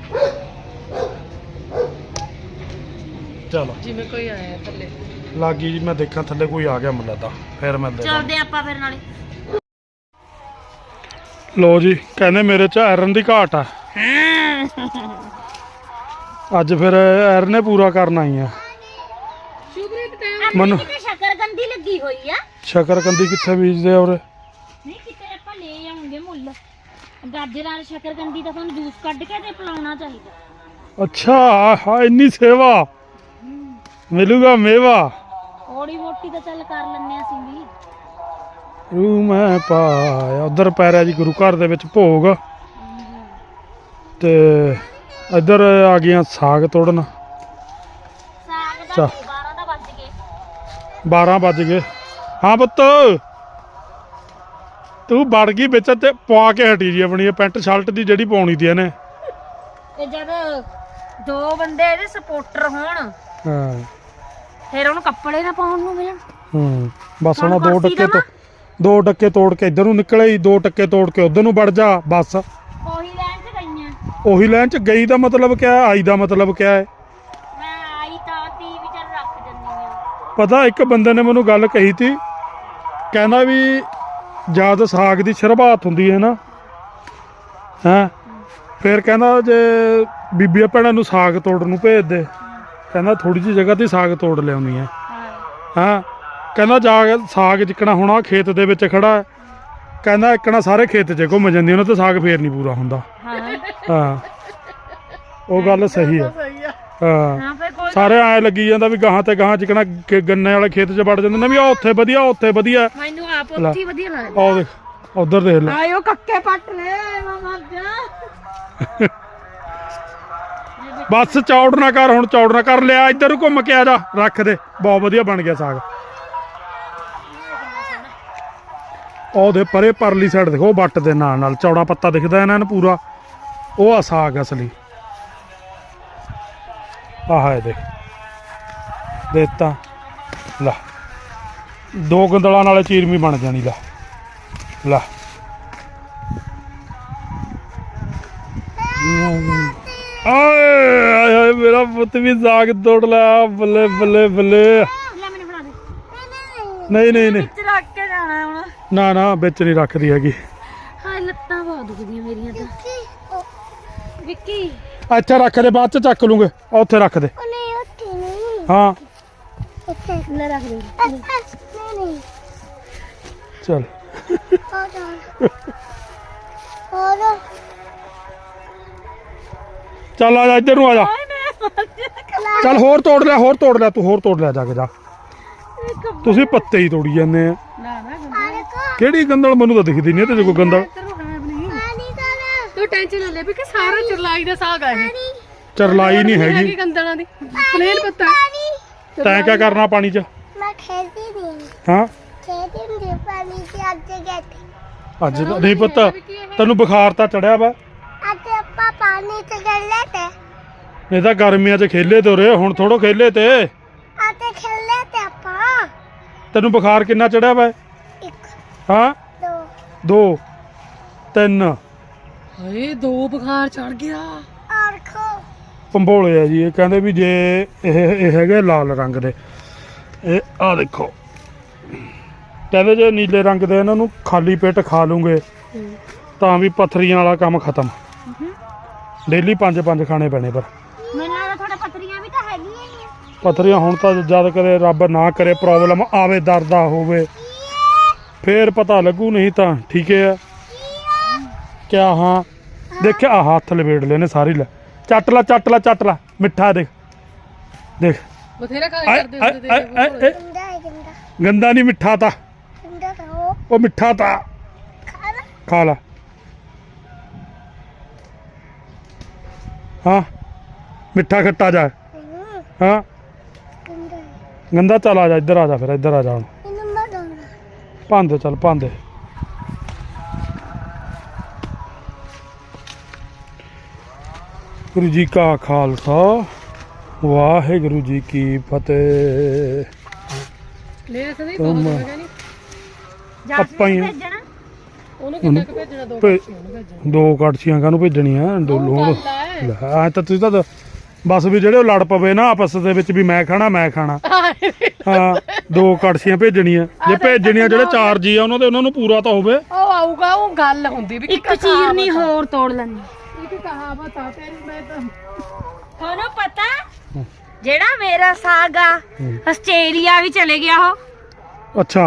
A: ਚਲੋ
C: ਜਿਵੇਂ ਕੋਈ ਆਇਆ ਥੱਲੇ
A: ਲੱਗੀ ਜੀ ਮੈਂ ਦੇਖਾਂ ਥੱਲੇ ਕੋਈ ਆ ਗਿਆ ਮੁੰਡਾ ਤਾਂ ਫਿਰ ਮਿਲਦੇ ਹਾਂ।
B: ਚੱਲਦੇ ਆਪਾਂ ਫਿਰ ਨਾਲੇ
A: ਲੋ ਜੀ ਕਹਿੰਦੇ ਮੇਰੇ ਚ ਆਇਰਨ ਦੀ ਘਾਟ ਆ ਅੱਜ ਫਿਰ ਆਇਰਨ ਨੇ ਪੂਰਾ ਕਰਨਾ ਹੀ ਆ
C: ਸ਼ੁਭਰੀਤ ਟਾਈਮ
A: ਮਨ
B: ਕਿਤੇ ਸ਼ੱਕਰਕੰਦੀ ਲੱਗੀ ਹੋਈ ਆ
A: ਸ਼ਕਰਕੰਦੀ ਕਿੱਥੇ ਬੀਜਦੇ ਆ ਉਰੇ
B: ਨਹੀਂ ਕਿਤੇ ਆਪਾਂ ਲੈ ਆਉਂਗੇ ਮੁੱਲ ਗਾਜਰ ਨਾਲ ਸ਼ੱਕਰਕੰਦੀ ਦਾ ਤੁਹਾਨੂੰ ਜੂਸ ਕੱਢ ਕੇ ਤੇ ਪਿਲਾਉਣਾ ਚਾਹੀਦਾ
A: ਅੱਛਾ ਹਾਂ ਇੰਨੀ ਸੇਵਾ ਮਿਲੂਗਾ ਮੇਵਾ
B: ਥੋੜੀ ਮੋਟੀ ਤਾਂ ਚੱਲ ਕਰ ਲੈਣੇ ਅਸੀਂ ਵੀ
A: ਰੂ ਮੈਂ ਪਾਇਆ ਉਧਰ ਪੈਰਿਆ ਜੀ ਗੁਰੂ ਘਰ ਦੇ ਵਿੱਚ ਭੋਗ ਤੇ ਇੱਧਰ ਆ ਗਈਆਂ ਸਾਗ ਤੋੜਨ
B: ਸਾਗ
A: ਚੱਲ।
B: ਦਾ 12 ਦਾ ਵੱਜ ਗਏ
A: 12 ਵੱਜ ਗਏ ਹਾਂ ਪੁੱਤ ਤੂੰ ਵੜ ਗਈ ਵਿੱਚ ਤੇ ਪਵਾ ਕੇ ਹਟੀ ਜੀ ਆਪਣੀ ਇਹ ਪੈਂਟ ਸ਼ਰਟ ਦੀ ਜਿਹੜੀ ਪਾਉਣੀ ਤੀ ਇਹਨੇ
B: ਤੇ ਜਦ ਦੋ ਬੰਦੇ ਇਹਦੇ ਸਪੋਰਟਰ ਹੋਣ
A: ਹਾਂ
B: ਫਿਰ ਉਹਨੂੰ ਕੱਪੜੇ ਨਾ ਪਾਉਣ ਨੂੰ ਮਿਲਣ
A: ਬਸ ਹੁਣ
B: ਹੁਣ
A: ਦੋ
B: ਕੁਰਸੀ
A: ਟੱਕੇ
B: ਦੇਵਾਂ?
A: ਦੋ ਟੱਕੇ ਤੋੜ ਕੇ ਇੱਧਰ ਨੂੰ ਨਿਕਲੇ ਹੀ ਦੋ ਟੱਕੇ ਤੋੜ ਕੇ ਉਧਰ ਨੂੰ ਵੜ ਜਾ ਬਸ
B: ਉਹੀ ਲੈਣ ਚ ਗਈਆਂ
A: ਉਹੀ ਲਾਈਨ ਚ ਗਈ ਦਾ ਮਤਲਬ ਕਿਆ ਹੈ ਆਈ ਦਾ ਮਤਲਬ ਕਿਆ ਹੈ
B: ਮੈਂ ਆਈ ਤਾਂ ਟੀਵੀ ਚ ਰੱਖ ਦਿੰਦੀ ਆ
A: ਪਤਾ ਇੱਕ ਬੰਦੇ ਨੇ ਮੈਨੂੰ ਗੱਲ ਕਹੀ ਤੀ ਕਹਿੰਦਾ ਵੀ ਜਦ ਸਾਗ ਦੀ ਸ਼ੁਰੂਆਤ ਹੁੰਦੀ ਹੈ ਨਾ ਹੈਂ ਫਿਰ ਕਹਿੰਦਾ ਜੇ ਬੀਬੀਆਂ ਭੈਣਾਂ ਨੂੰ ਸਾਗ ਤੋੜਨ ਨੂੰ ਭੇਜ ਦੇ ਕਹਿੰਦਾ ਥੋੜੀ ਜਿਹੀ ਜਗ੍ਹਾ ਤੇ ਸਾਗ ਤੋੜ ਲਿਆਉਂਦੀ ਹੈ ਹਾਂ ਕਹਿੰਦਾ ਜਾ ਕੇ ਸਾਗ ਜਿੱਕਣਾ ਹੋਣਾ ਖੇਤ ਦੇ ਵਿੱਚ ਖੜਾ ਹੈ। ਕਹਿੰਦਾ ਇੱਕਣਾ ਸਾਰੇ ਖੇਤ 'ਚ ਘੁੰਮ ਜਾਂਦੀ ਉਹਨਾਂ ਤੇ ਸਾਗ ਫੇਰ ਨਹੀਂ ਪੂਰਾ ਹੁੰਦਾ ਹਾਂ ਉਹ ਗੱਲ ਸਹੀ ਹੈ
C: ਸਹੀ ਆ
A: ਹਾਂ
B: ਹਾਂ ਫਿਰ ਕੋਈ
A: ਸਾਰੇ ਐ ਲੱਗੀ ਜਾਂਦਾ ਵੀ ਗਾਹਾਂ ਤੇ ਗਾਹਾਂ ਜਿੱਕਣਾ ਗੰਨੇ ਵਾਲੇ ਖੇਤ 'ਚ ਵੜ ਜਾਂਦੇ ਨੇ ਵੀ ਆਹ ਉੱਥੇ ਵਧੀਆ
B: ਮੈਨੂੰ ਆਪ ਉੱਥੇ ਹੀ ਵਧੀਆ ਲੱਗਦਾ
A: ਆਹ ਦੇਖ ਉਧਰ ਦੇਖ ਲੈ
B: ਆਇਓ ਕੱਕੇ ਪੱਟ ਲੈ ਮਾਮਾ ਜਾ
A: ਬਸ ਚੌੜ ਨਾ ਕਰ ਹੁਣ ਚੌੜ ਨਾ ਕਰ ਲਿਆ ਇੱਧਰ ਨੂੰ ਘੁੰਮ ਕੇ ਆ ਜਾ ਰੱਖ ਦੇ ਬਹੁਤ ਵਧੀਆ ਬਣ ਗਿਆ ਸਾਗ ਉਹਦੇ ਪਰੇ ਪਰਲੀ ਸਾਈਡ ਦੇਖੋ ਵੱਟ ਦੇ ਨਾਲ ਚੌੜਾ ਪੱਤਾ ਦਿਖਦਾ ਇਹਨਾਂ ਨੂੰ ਪੂਰਾ ਉਹ ਆ ਸਾਗ ਅਸਲੀ ਆਹ ਹੈ ਦੇਖ ਦੇਤਾ ਲਾ ਦੋ ਗੰਦਲਾਂ ਨਾਲੇ ਚੀਰਮੀ ਬਣ ਜਾਣੀ ਲਾ ਆਏ ਮੇਰਾ ਪੁੱਤ ਵੀ ਸਾਗ ਤੋੜ ਲਿਆ ਬੱਲੇ ਬੱਲੇ ਬੱਲੇ
B: ਲੈ ਮੈਨੂੰ ਫੜਾ ਦੇ
A: ਨਹੀਂ
B: ਵਿੱਚ ਰੱਖ ਕੇ ਜਾਣਾ ਹੁਣ
A: ਨਾ ਵਿੱਚ ਨਹੀਂ ਰੱਖਦੀ ਹੈਗੀ
B: ਹਾਂ ਲੱਤਾਂ ਬਹੁਤ ਦੁਖਦੀਆਂ ਮੇਰੀਆਂ ਤਾਂ ਵਿੱਕੀ
A: ਅੱਛਾ ਰੱਖ ਦੇ ਬਾਅਦ ਚ ਚੱਕ ਲੂੰਗੇ ਉੱਥੇ ਰੱਖ ਦੇ
D: ਉਹ ਨਹੀਂ ਉੱਥੇ ਨਹੀਂ
A: ਹਾਂ
D: ਇੱਥੇ
B: ਲੈ ਰੱਖ ਦੇ
D: ਨਹੀਂ
A: ਚਲ
D: ਹੋ ਜਾ ਹੋਰ
A: ਚੱਲ ਆ ਜਾ ਇੱਧਰ ਨੂੰ ਆ ਜਾ ਚੱਲ ਹੋਰ ਤੋੜ ਲੈ ਤੂੰ ਹੋਰ ਤੋੜ ਲੈ ਜਾ ਕੇ ਜਾ ਤੁਸੀਂ ਪੱਤੇ ਹੀ ਤੋੜੀ ਜਾਂਦੇ ਆ
C: ਨਾ
D: ਪਾਣੀ ਕੋ
A: ਕਿਹੜੀ ਗੰਦਲ ਮੈਨੂੰ ਤਾਂ ਦਿਖਦੀ ਨਹੀਂ ਤੇ ਕੋਈ ਗੰਦਲ
D: ਪਾਣੀ ਦਾ
C: ਤੂੰ ਟੈਨਸ਼ਨ ਨਾ ਲੈ ਵੀ ਕਿ ਸਾਰਾ ਚਰਲਾਈ ਦਾ ਸਾਗ ਆ ਇਹ
A: ਚਰਲਾਈ ਨਹੀਂ ਹੈਗੀ
C: ਗੰਦਲਾਂ ਦੀ ਪਲੇਨ ਪੱਤਾ
A: ਤੈਂ ਕਿਆ ਕਰਨਾ ਪਾਣੀ 'ਚ
D: ਮੈਂ ਖੇਡੀ ਨਹੀਂ
A: ਹਾਂ
D: ਖੇਡੀ ਨਹੀਂ ਪਾਣੀ ਚ ਅੱਜ ਗਏ
A: ਅੱਜ ਤਾਂ ਨਹੀਂ ਪਤਾ ਤੈਨੂੰ ਬੁਖਾਰ ਤਾਂ ਚੜਿਆ ਵਾ
D: ਅੱਜ ਆਪਾਂ ਪਾਣੀ ਚ ਗਏ ਤੇ
A: ਨਹੀਂ ਤਾਂ ਗਰਮੀਆਂ 'ਚ ਖੇਲੇ ਤੋਰੇ ਹੁਣ ਥੋੜੋ ਖੇਲੇ ਤੇ
D: ਅੱਜ ਖੇਲੇ ਤੇ ਆਪਾਂ
A: ਤੈਨੂੰ ਬੁਖਾਰ ਕਿੰਨਾ ਚੜਿਆ ਵਾ
D: ਇੱਕ
A: ਹਾਂ
D: ਦੋ
A: 2 3
C: ਹਾਏ ਦੋ ਬੁਖਾਰ ਚੜ ਗਿਆ
D: ਔਰ ਖੋ
A: ਪੰਬੋਲੇ ਆ ਜੀ ਇਹ ਕਹਿੰਦੇ ਵੀ ਜੇ ਇਹ ਹੈਗੇ ਲਾਲ ਰੰਗ ਦੇ ਇਹ ਆ ਦੇਖੋ ਕਹਿੰਦੇ ਜੇ ਨੀਲੇ ਰੰਗ ਦੇ ਇਹਨਾਂ ਨੂੰ ਖਾਲੀ ਪੇਟ ਖਾ ਲੂੰਗੇ ਤਾਂ ਵੀ ਪੱਥਰੀਆਂ ਵਾਲਾ ਕੰਮ ਖਤਮ ਡੇਲੀ 5 ਖਾਣੇ ਪੈਣੇ ਪਰ
B: ਮੈਨੂੰ ਲੱਗਦਾ ਤੁਹਾਡੇ ਪੱਤਰੀਆਂ ਵੀ ਤਾਂ ਹੈਗੀਆਂ ਹੀ ਆ
A: ਪੱਥਰੀਆਂ ਹੁਣ ਤਾਂ ਜਦ ਕਰੇ ਰੱਬ ਨਾ ਕਰੇ ਪ੍ਰੋਬਲਮ ਆਵੇ ਦਰਦ ਆ ਹੋਵੇ ਫੇਰ ਪਤਾ ਲੱਗੂ ਨਹੀਂ ਤਾਂ ਠੀਕ ਹੈ ਕਿਆ ਹਾਂ ਦੇਖਿਆ ਆ ਹੱਥ ਲਵੇੜ ਲੈਨੇ ਸਾਰੀ ਲੈ ਚੱਟ ਲਾ ਮਿੱਠਾ ਦੇਖ
C: ਬਥੇਰਾ ਖਾ
A: ਆਏ,
C: ਕਰਦੇ
A: ਆਏ,
C: ਹੁੰਦੇ
A: ਆਏ, ਆਏ, ਆਏ।
D: ਗੰਦਾ ਹੈ ਗੰਦਾ
A: ਗੰਦਾ ਨਹੀਂ ਮਿੱਠਾ ਤਾਂ
D: ਗੰਦਾ ਤਾਂ ਉਹ
A: ਉਹ ਮਿੱਠਾ ਤਾਂ
D: ਖਾਣਾ
A: ਖਾ ਲਾ ਹਾਂ ਮਿੱਠਾ ਖੱਟਾ ਜਾ ਹਾਂ
D: ਗੰਦਾ
A: ਗੰਦਾ ਚੱਲ ਆ ਜਾ ਇੱਧਰ ਆ ਜਾ ਫਿਰ ਇੱਧਰ ਆ ਜਾ ਹੁਣ
D: ਇਹਨੂੰ ਮੈਂ ਦੋਂਦਾ
A: ਭਾਂਦੇ ਚੱਲ ਭਾਂਦੇ ਗੁਰੂ ਜੀ ਕਾ ਖਾਲਸਾ ਵਾਹਿਗੁਰੂ ਜੀ ਕੀ ਫਤਿਹ
C: ਲੈ ਸਦੀ
A: ਤੁਮ-
C: ਬਹੁਤ ਹੈਗਾ ਨਹੀਂ
A: ਆਪਾਂ ਹੀ ਆ।
B: ਭੇਜਣਾ
C: ਉਹਨੂੰ ਕਿੰਨਾ ਕੁ ਭੇਜਣਾ ਦੋ
A: ਭੇ-
C: ਕੜਛੀਆਂ ਉਹਨੂੰ ਭੇਜਣਾ
A: ਦੋ ਕੜਛੀਆਂ ਕਾਹਨੂੰ ਭੇਜਣੀਆਂ ਦੋ
C: ਉਹ
A: ਲੋੜ
C: ਗੱਲ ਹੈ।
A: ਆ ਤਾਂ ਤੁਸੀਂ ਤਾਂ ਬਸ ਵੀ ਜਿਹੜੇ ਉਹ ਲੜ ਪਵੇ ਨਾ ਆਪਸ ਦੇ ਵਿੱਚ ਵੀ ਮੈਂ ਖਾਣਾ ਹਾਂ ਦੋ ਕੜਛੀਆਂ ਭੇਜਣੀਆਂ ਜੇ ਭੇਜਣੀਆਂ ਜਿਹੜੇ 4 ਜੀ ਆ ਉਹਨਾਂ ਨੂੰ ਪੂਰਾ ਤਾਂ ਹੋਵੇ
C: ਉਹ ਆਊਗਾ ਉਹ ਗੱਲ ਹੁੰਦੀ ਵੀ
B: ਇੱਕ ਚੀਰਨੀ ਹੋਰ ਤੋੜ ਲੈਣੀ
C: ਇੱਕ ਕਹਾਵਤ ਆ ਤੇਰੀ ਮੈਂ ਤਾਂ
B: ਤੁਹਾਨੂੰ ਪਤਾ ਜਿਹੜਾ ਮੇਰਾ ਸਾਗ ਆ ਆਸਟ੍ਰੇਲੀਆ ਵੀ ਚਲੇ ਗਿਆ ਉਹ
A: ਅੱਛਾ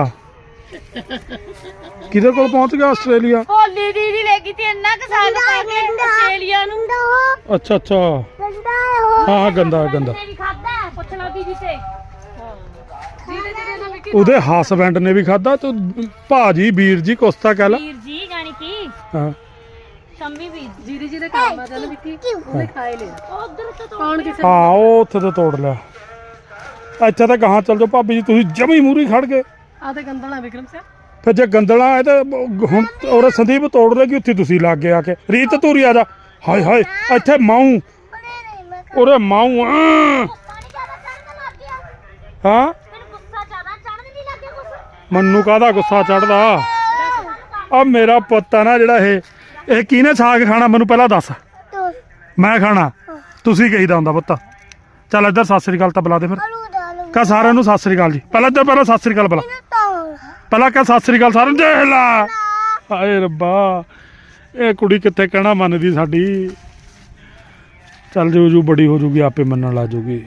A: ਕਿਹਦੇ ਕੋਲ ਪਹੁੰਚ ਗਿਆ ਆਸਟ੍ਰੇਲੀਆ
B: ਹੋਲੀ ਦੀਦੀ ਲੈ ਗਈ ਤੇ ਇੰਨਾ ਕੁ ਸਾਗ ਪਾ ਕੇ ਆਸਟ੍ਰੇਲੀਆ ਨੂੰ
A: ਅੱਛਾ ਅੱਛਾ
D: ਗੰਦਾ ਹੈ ਉਹ
A: ਹਾਂ ਗੰਦਾ ਗੰਦਾ
B: ਨੇ ਵੀ ਖਾਦਾ ਪੁੱਛ ਲਓ ਦੀਦੀ ਤੇ
C: ਜਿਹਦੇ ਜਿਹਦੇ ਨਾਲ ਵੀ
A: ਉਹਦੇ ਹਸਬੈਂਡ ਨੇ ਵੀ ਖਾਦਾ ਤੂੰ ਭਾਜੀ ਵੀਰ ਜੀ ਕੁਸਤਾ ਕਹਿ ਲਾ
B: ਵੀਰ ਜੀ ਜਾਣੀ ਕੀ
A: ਹਾਂ
B: ਸ਼ੰਮੀ ਵੀਰ
C: ਜਿਹਦੇ ਜਿਹਦੇ ਕੰਮ ਆ ਜਾਨ ਵਿੱਕੀ ਉਹਨੇ ਖਾਏ ਲਿਆ
B: ਉਧਰ ਤੋਂ
C: ਕੌਣ ਕਿਸੇ
A: ਹਾਂ ਉਹ ਉੱਥੇ ਤੋਂ ਤੋੜ ਲਿਆ ਇੱਥੇ ਤਾਂ ਗਾਹਾਂ ਚੱਲ ਜਾਓ ਭਾਬੀ ਜੀ ਤੁਸੀਂ ਜਮੀ ਮੂਰੀ ਖੜ ਗਏ
C: ਆ ਤੇ ਗੰਦਲਾ ਵਿਕਰਮ ਸਿੰਘ
A: ਫਿਰ ਜੇ ਗੰਦਲਾ ਹੈ ਤਾਂ ਹੁਣ ਔਰ ਸੰਦੀਪ ਤੋੜ ਲੇਗੀ ਉੱਥੇ ਤੁਸੀਂ ਲੱਗ ਗਏ ਆ ਕੇ ਰੀਤ ਧੂਰੀ ਆ ਜਾ ਹਾਏ ਹਾਏ ਇੱਥੇ ਮਾਊ
D: ਉਹਨੇ ਨਹੀਂ ਮੈਂ
A: ਉਰੇ ਮਾਊ
B: ਪਾਣੀ ਜ਼ਿਆਦਾ ਚੜਨ ਲੱਗ ਗਿਆ
A: ਹਾਂ
B: ਮੈਨੂੰ ਗੁੱਸਾ ਜ਼ਿਆਦਾ ਚੜਨ ਨਹੀਂ ਲੱਗਿਆ ਕੁਛ
A: ਮੈਨੂੰ ਕਾਹਦਾ ਗੁੱਸਾ ਚੜਦਾ ਆ ਮੇਰਾ ਪੁੱਤ ਆ ਨਾ ਜਿਹੜਾ ਇਹ ਕਿਹਨੇ ਸਾਗ ਖਾਣਾ ਮੈਨੂੰ ਪਹਿਲਾਂ ਦੱਸ
D: ਤੂੰ
A: ਮੈਂ ਖਾਣਾ ਤੁਸੀਂ ਕਹੀਦਾ ਹੁੰਦਾ ਪੁੱਤ ਚੱਲ ਇੱਧਰ ਸਤਿ ਸ੍ਰੀ ਅਕਾਲ ਤਾਂ ਬੁਲਾ ਦੇ ਫਿਰ
D: ਆਲੂ ਦਾਲ
A: ਕਹ ਸਾਰਿਆਂ ਨੂੰ ਸਤਿ ਸ੍ਰੀ ਅਕਾਲ ਜੀ ਪਹਿਲਾਂ ਸਤਿ ਸ੍ਰੀ ਅਕਾਲ ਬੁਲਾ
D: ਤਾਂ
A: ਪਹਿਲਾਂ ਕਹ ਸਤਿ ਸ੍ਰੀ ਅਕਾਲ ਸਾਰਿਆਂ ਨੂੰ ਦੇਖ ਲਾ ਹਾਏ ਰੱਬਾ ਇਹ ਕੁੜੀ ਕਿੱਥੇ ਕਹਿਣਾ ਮੰਨਦੀ ਸਾਡੀ ਚੱਲ ਜੂ ਬੜੀ ਹੋ ਜੂਗੀ ਆਪੇ ਮੰਨਣ ਲੱਗ ਜੂਗੀ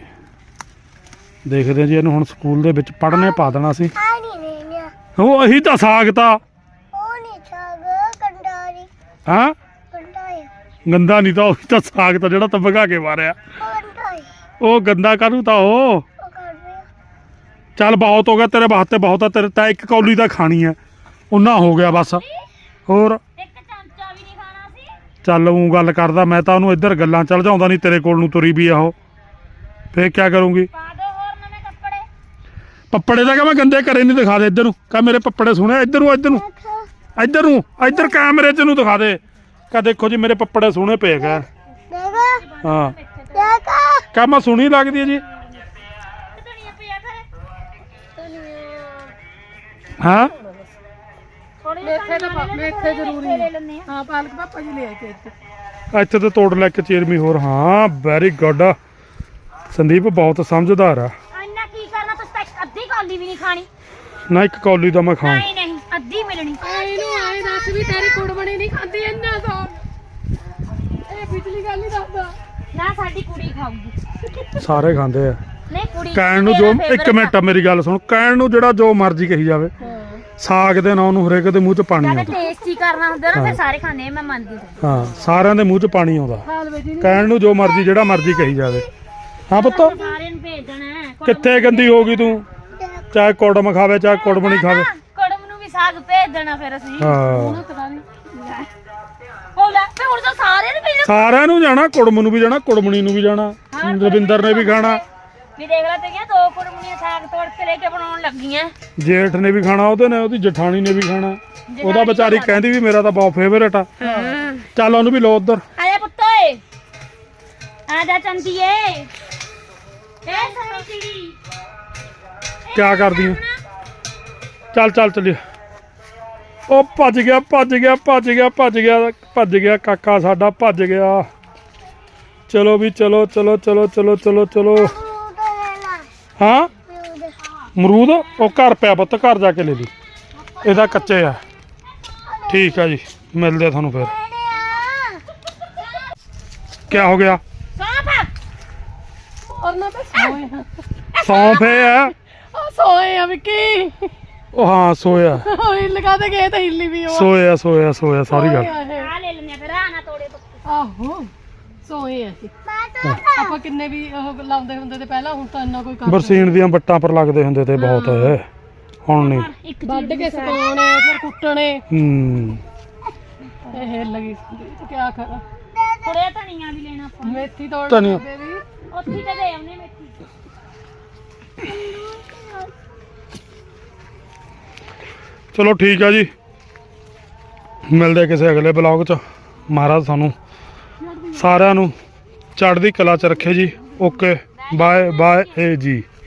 A: ਦੇਖਦੇ ਜੀ ਇਹਨੂੰ ਹੁਣ ਸਕੂਲ ਦੇ ਵਿੱਚ ਪੜ੍ਹਨੇ ਪਾ ਦੇਣਾ ਸੀ
D: ਆ ਨਹੀਂ ਨੇ
A: ਉਹ ਅਹੀ ਤਾਂ ਸਾਗ ਤਾਂ
D: ਉਹ ਨਹੀਂ ਛਾਗ ਕੰਡਾਰੀ
A: ਹਾਂ
D: ਕੰਡਾ ਹੈ
A: ਗੰਦਾ ਨਹੀਂ ਤਾਂ ਉਹੀ ਤਾਂ ਸਾਗ ਤਾਂ ਜਿਹੜਾ ਤਾਂ ਭਗਾ ਕੇ ਮਾਰਿਆ
D: ਉਹ ਕੰਡਾ ਹੈ
A: ਉਹ ਗੰਦਾ ਕਰੂ ਤਾਂ ਉਹ
D: ਉਹ ਕਰ ਰਿਹਾ
A: ਚੱਲ ਬਹੁਤ ਹੋ ਗਿਆ ਤੇਰੇ ਵਾਸਤੇ ਬਹੁਤ ਆ ਤੇਰੇ ਤਾਂ ਇੱਕ ਕੌਲੀ ਤਾਂ ਖਾਣੀ ਹੈ ਉਹਨਾਂ ਹੋ ਗਿਆ ਬਸ ਹੋਰ
B: ਇੱਕ ਚਮਚਾ ਵੀ ਨਹੀਂ ਖਾਣਾ ਸੀ
A: ਚੱਲ ਉਹ ਗੱਲ ਕਰਦਾ ਮੈਂ ਤਾਂ ਉਹਨੂੰ ਇੱਧਰ ਗੱਲਾਂ ਚੱਲ ਜਾਉਂਦਾ ਨਹੀਂ ਤੇਰੇ ਕੋਲ ਨੂੰ ਤੁਰੀ ਵੀ ਆ ਉਹ ਫੇਰ ਕੀ ਕਰੂੰਗੀ
B: ਪਾ ਦੋ ਹੋਰ ਨਵੇਂ ਕੱਪੜੇ
A: ਪੱਪੜੇ ਦਾ ਕਿ ਮੈਂ ਗੰਦੇ ਕਰੇ ਨਹੀਂ ਦਿਖਾ ਦੇ ਇੱਧਰ ਨੂੰ ਕਹ ਮੇਰੇ ਪੱਪੜੇ ਸੁਣੇ ਇੱਧਰ ਨੂੰ ਇੱਧਰ ਕੈਮਰੇ 'ਚ ਨੂੰ ਦਿਖਾ ਦੇ ਕਹ ਦੇਖੋ ਜੀ ਮੇਰੇ ਪੱਪੜੇ ਸੋਹਣੇ ਪਏ ਗਏ
D: ਦੇਗਾ
A: ਹਾਂ
D: ਦੇਗਾ
A: ਕਹ ਮੈਂ ਸੁਣੀ ਲੱਗਦੀ ਹੈ ਜੀ
B: ਧਨੀਆ ਪਿਆ ਕਰੇ
A: ਹਾਂ
B: ਥੋੜੇ
C: ਮੇਥੇ ਤਾਂ ਮੇਥੇ ਜ਼ਰੂਰੀ
B: ਲੈ ਲੈਣੇ ਆ
C: ਹਾਂ ਪਾਲਕ ਪਾਪਾ ਜੀ ਲੈ ਆਏ ਤੇ ਇੱਥੇ
A: ਇੱਥੇ ਤੇ ਤੋੜ ਲੈ ਕੇ ਚੇਰਮੀ ਹੋਰ ਹਾਂ ਵੈਰੀ ਗੁੱਡ ਸੰਦੀਪ ਬਹੁਤ ਸਮਝਦਾਰ ਆ
B: ਇੰਨਾ ਕੀ ਕਰਨਾ ਤੁਸੀਂ ਤਾਂ ਇੱਕ ਅੱਧੀ ਕੌਲੀ ਵੀ ਨਹੀਂ ਖਾਣੀ
A: ਨਾ ਇੱਕ ਕੌਲੀ ਤਾਂ ਮੈਂ ਖਾਂ
B: ਨਹੀਂ ਨਹੀਂ ਅੱਧੀ ਮਿਲਣੀ
C: ਇਹਨੂੰ ਆਏ ਦੱਸ ਵੀ ਤੇਰੀ ਕੁੜਮਣੀ ਨਹੀਂ ਖਾਂਦੀ ਇੰਨਾ ਤੋਂ ਇਹ ਪਿਛਲੀ ਗੱਲ ਨਹੀਂ ਦੱਸਦਾ
B: ਨਾ ਸਾਡੀ ਕੁੜੀ ਖਾਊਗੀ
A: ਸਾਰੇ ਖਾਂਦੇ ਆ
B: ਨਹੀਂ ਕੁੜੀ
A: ਕਹਿਣ ਨੂੰ ਜੋ ਇੱਕ ਮਿੰਟ ਮੇਰੀ ਗੱਲ ਸੁਣ ਕਹਿਣ ਨੂੰ ਜਿਹੜਾ ਜੋ ਮਰਜ਼ੀ ਕਹੀ ਜਾਵੇ ਸਾਗ ਦੇ ਨਾਂ ਨੂੰ ਹਰੇਕ ਦੇ ਮੂੰਹ 'ਚ ਪਾਣੀ
B: ਕਹਿੰਦਾ
A: ਆਉਂਦਾ
B: ਟੇਸਟੀ ਕਰਨਾ ਹੁੰਦਾ ਨਾ ਫਿਰ ਸਾਰੇ ਖਾਂਦੇ ਆ, ਮੈਂ ਮੰਨਦੀ ਹਾਂ
A: ਹਾਂ ਸਾਰਿਆਂ ਦੇ ਮੂੰਹ 'ਚ ਪਾਣੀ ਆਉਂਦਾ
C: ਹਾਲ ਵੇ ਜੀ
A: ਕਹਿਣ ਨੂੰ ਜੋ ਮਰਜ਼ੀ ਜਿਹੜਾ ਮਰਜ਼ੀ ਕਹੀ ਜਾਵੇ ਹਾਂ ਪੁੱਤ
B: ਸਾਰਿਆਂ ਨੂੰ ਭੇਜ ਦੇਣਾ ਹੈ।
A: ਕਿੱਥੇ ਗੰਦੀ ਹੋ ਗਈ ਤੂੰ ਚਾਹੇ ਕੁੜਮ ਖਾਵੇ ਚਾਹੇ ਕੁੜਮ ਨਹੀਂ ਖਾਵੇ
B: ਕੁੜਮ ਨੂੰ ਵੀ ਸਾਗ ਭੇਜ ਦੇਣਾ ਫਿਰ ਅਸੀਂ
A: ਹਾਂ
C: ਉਹਨੂੰ ਪਤਾ ਨਹੀਂ
B: ਉਹ ਲੈ ਤੇ ਹੁਣ ਤਾਂ ਸਾਰਿਆਂ ਨੂੰ ਭੇਜ
A: ਸਾਰਿਆਂ ਨੂੰ ਜਾਣਾ ਕੁੜਮ ਨੂੰ ਵੀ ਜਾਣਾ ਕੁੜਮਣੀ ਨੂੰ ਵੀ ਜਾਣਾ ਰਵਿੰਦਰ ਨੇ ਵੀ ਖਾਣਾ
B: ਵੀ ਦੇਖ ਲੈ ਤੇ ਦੋ ਕੁੜਮਣੀਆਂ ਸਾਗ ਤੋੜ ਕੇ ਲੈ ਕੇ ਬਣਾਉਣ ਲੱਗੀਆਂ
A: ਜੇਠ ਨੇ ਵੀ ਖਾਣਾ ਉਹਦੇ ਨੇ ਉਹਦੀ ਜਠਾਣੀ ਨੇ ਵੀ ਖਾਣਾ ਉਹਦਾ ਵਿਚਾਰੀ ਕਹਿੰਦੀ ਵੀ ਮੇਰਾ ਤਾਂ ਬਹੁਤ ਫੇਵਰੇਟ ਆ ਚੱਲ ਉਹਨੂੰ ਵੀ ਲੋ ਉਧਰ
B: ਆ ਜਾ ਪੁੱਤ ਓਏ ਆ ਜਾ ਚੰਦੀਏ ਇਹ ਸੋਹਣੀ ਚਿੜੀ
A: ਕਿਆ ਕਰਦੀ ਆ ਚੱਲ ਚੱਲੀਏ ਉਹ ਭੱਜ ਗਿਆ ਕਾਕਾ ਸਾਡਾ ਭੱਜ ਗਿਆ ਚਲੋ ਵੀ ਚਲੋ
D: ਅਮਰੂਦ ਲੈ ਲਾ
A: ਹਾਂ
D: ਅਮਰੂਦ
A: ਅਮਰੂਦ ਉਹ ਘਰ ਪਿਆ ਪੁੱਤ ਘਰ ਜਾ ਕੇ ਲੈ ਲਈ ਇਹਦਾ ਕੱਚੇ ਆ ਠੀਕ ਆ ਜੀ ਮਿਲਦੇ ਆ ਤੁਹਾਨੂੰ ਫਿਰ ਕਿਆ ਹੋ ਗਿਆ
C: ਔਰ ਨਾ ਬਸ ਸੋਏ ਹਾਂ
A: ਸੌਂਫ ਇਹ ਆ
C: ਆ ਸੋਏ ਆ ਵਿੱਕੀ
A: ਉਹ ਹਾਂ ਸੋਇਆ
C: ਓਏ ਲਗਾ ਦੇ ਗਏ ਤਾਂ ਹਿੱਲੀ ਵੀ ਉਹ
A: ਸੋਇਆ ਸਾਰੀ ਗੱਲ
B: ਆ ਲੈ ਲੈਣੇ ਫਿਰ ਆ ਨਾ ਤੋੜੇ ਪੁੱਤ
C: ਆਹੋ ਸੋਏ ਆ ਅਸੀਂ। ਆਪਾਂ ਕਿੰਨੇ ਵੀ ਉਹ ਲਾਉਂਦੇ ਹੁੰਦੇ ਤੇ ਪਹਿਲਾਂ ਹੁਣ ਤਾਂ ਇੰਨਾ ਕੋਈ ਕੰਮ
A: ਬਰਸੀਨ ਦੀਆਂ ਵੱਟਾਂ ਪਰ ਲੱਗਦੇ ਹੁੰਦੇ ਤੇ ਬਹੁਤ ਹੁਣ ਨਹੀਂ
B: ਇੱਕ
C: ਵੱਢ ਕੇ ਸੁਕਾਉਣੇ ਫਿਰ ਕੁੱਟਣੇ
A: ਹੂੰ
C: ਇਹ ਲੱਗੀ ਕੀ ਕਰਾਂ
B: ਥੋੜਾ ਧਨੀਆ ਵੀ ਲੈਣਾ ਆਪਾਂ
C: ਮੇਥੀ ਤੋੜ
A: ਧਨੀਆ।
C: ਬੇਬੀ
B: ਉੱਥੇ ਤੇ ਦੇ ਆਉਨੇ ਮੇਥੀ
A: ਚਲੋ ਠੀਕ ਆ ਜੀ, ਮਿਲਦੇ ਕਿਸੇ ਅਗਲੇ ਬਲੌਗ 'ਚ। ਮਹਾਰਾਜ ਸਾਨੂੰ ਸਾਰਿਆਂ ਨੂੰ ਚੜ੍ਹਦੀ ਕਲਾ 'ਚ ਰੱਖੇ ਜੀ। ਓਕੇ ਬਾਏ ਬਾਏ ਜੀ।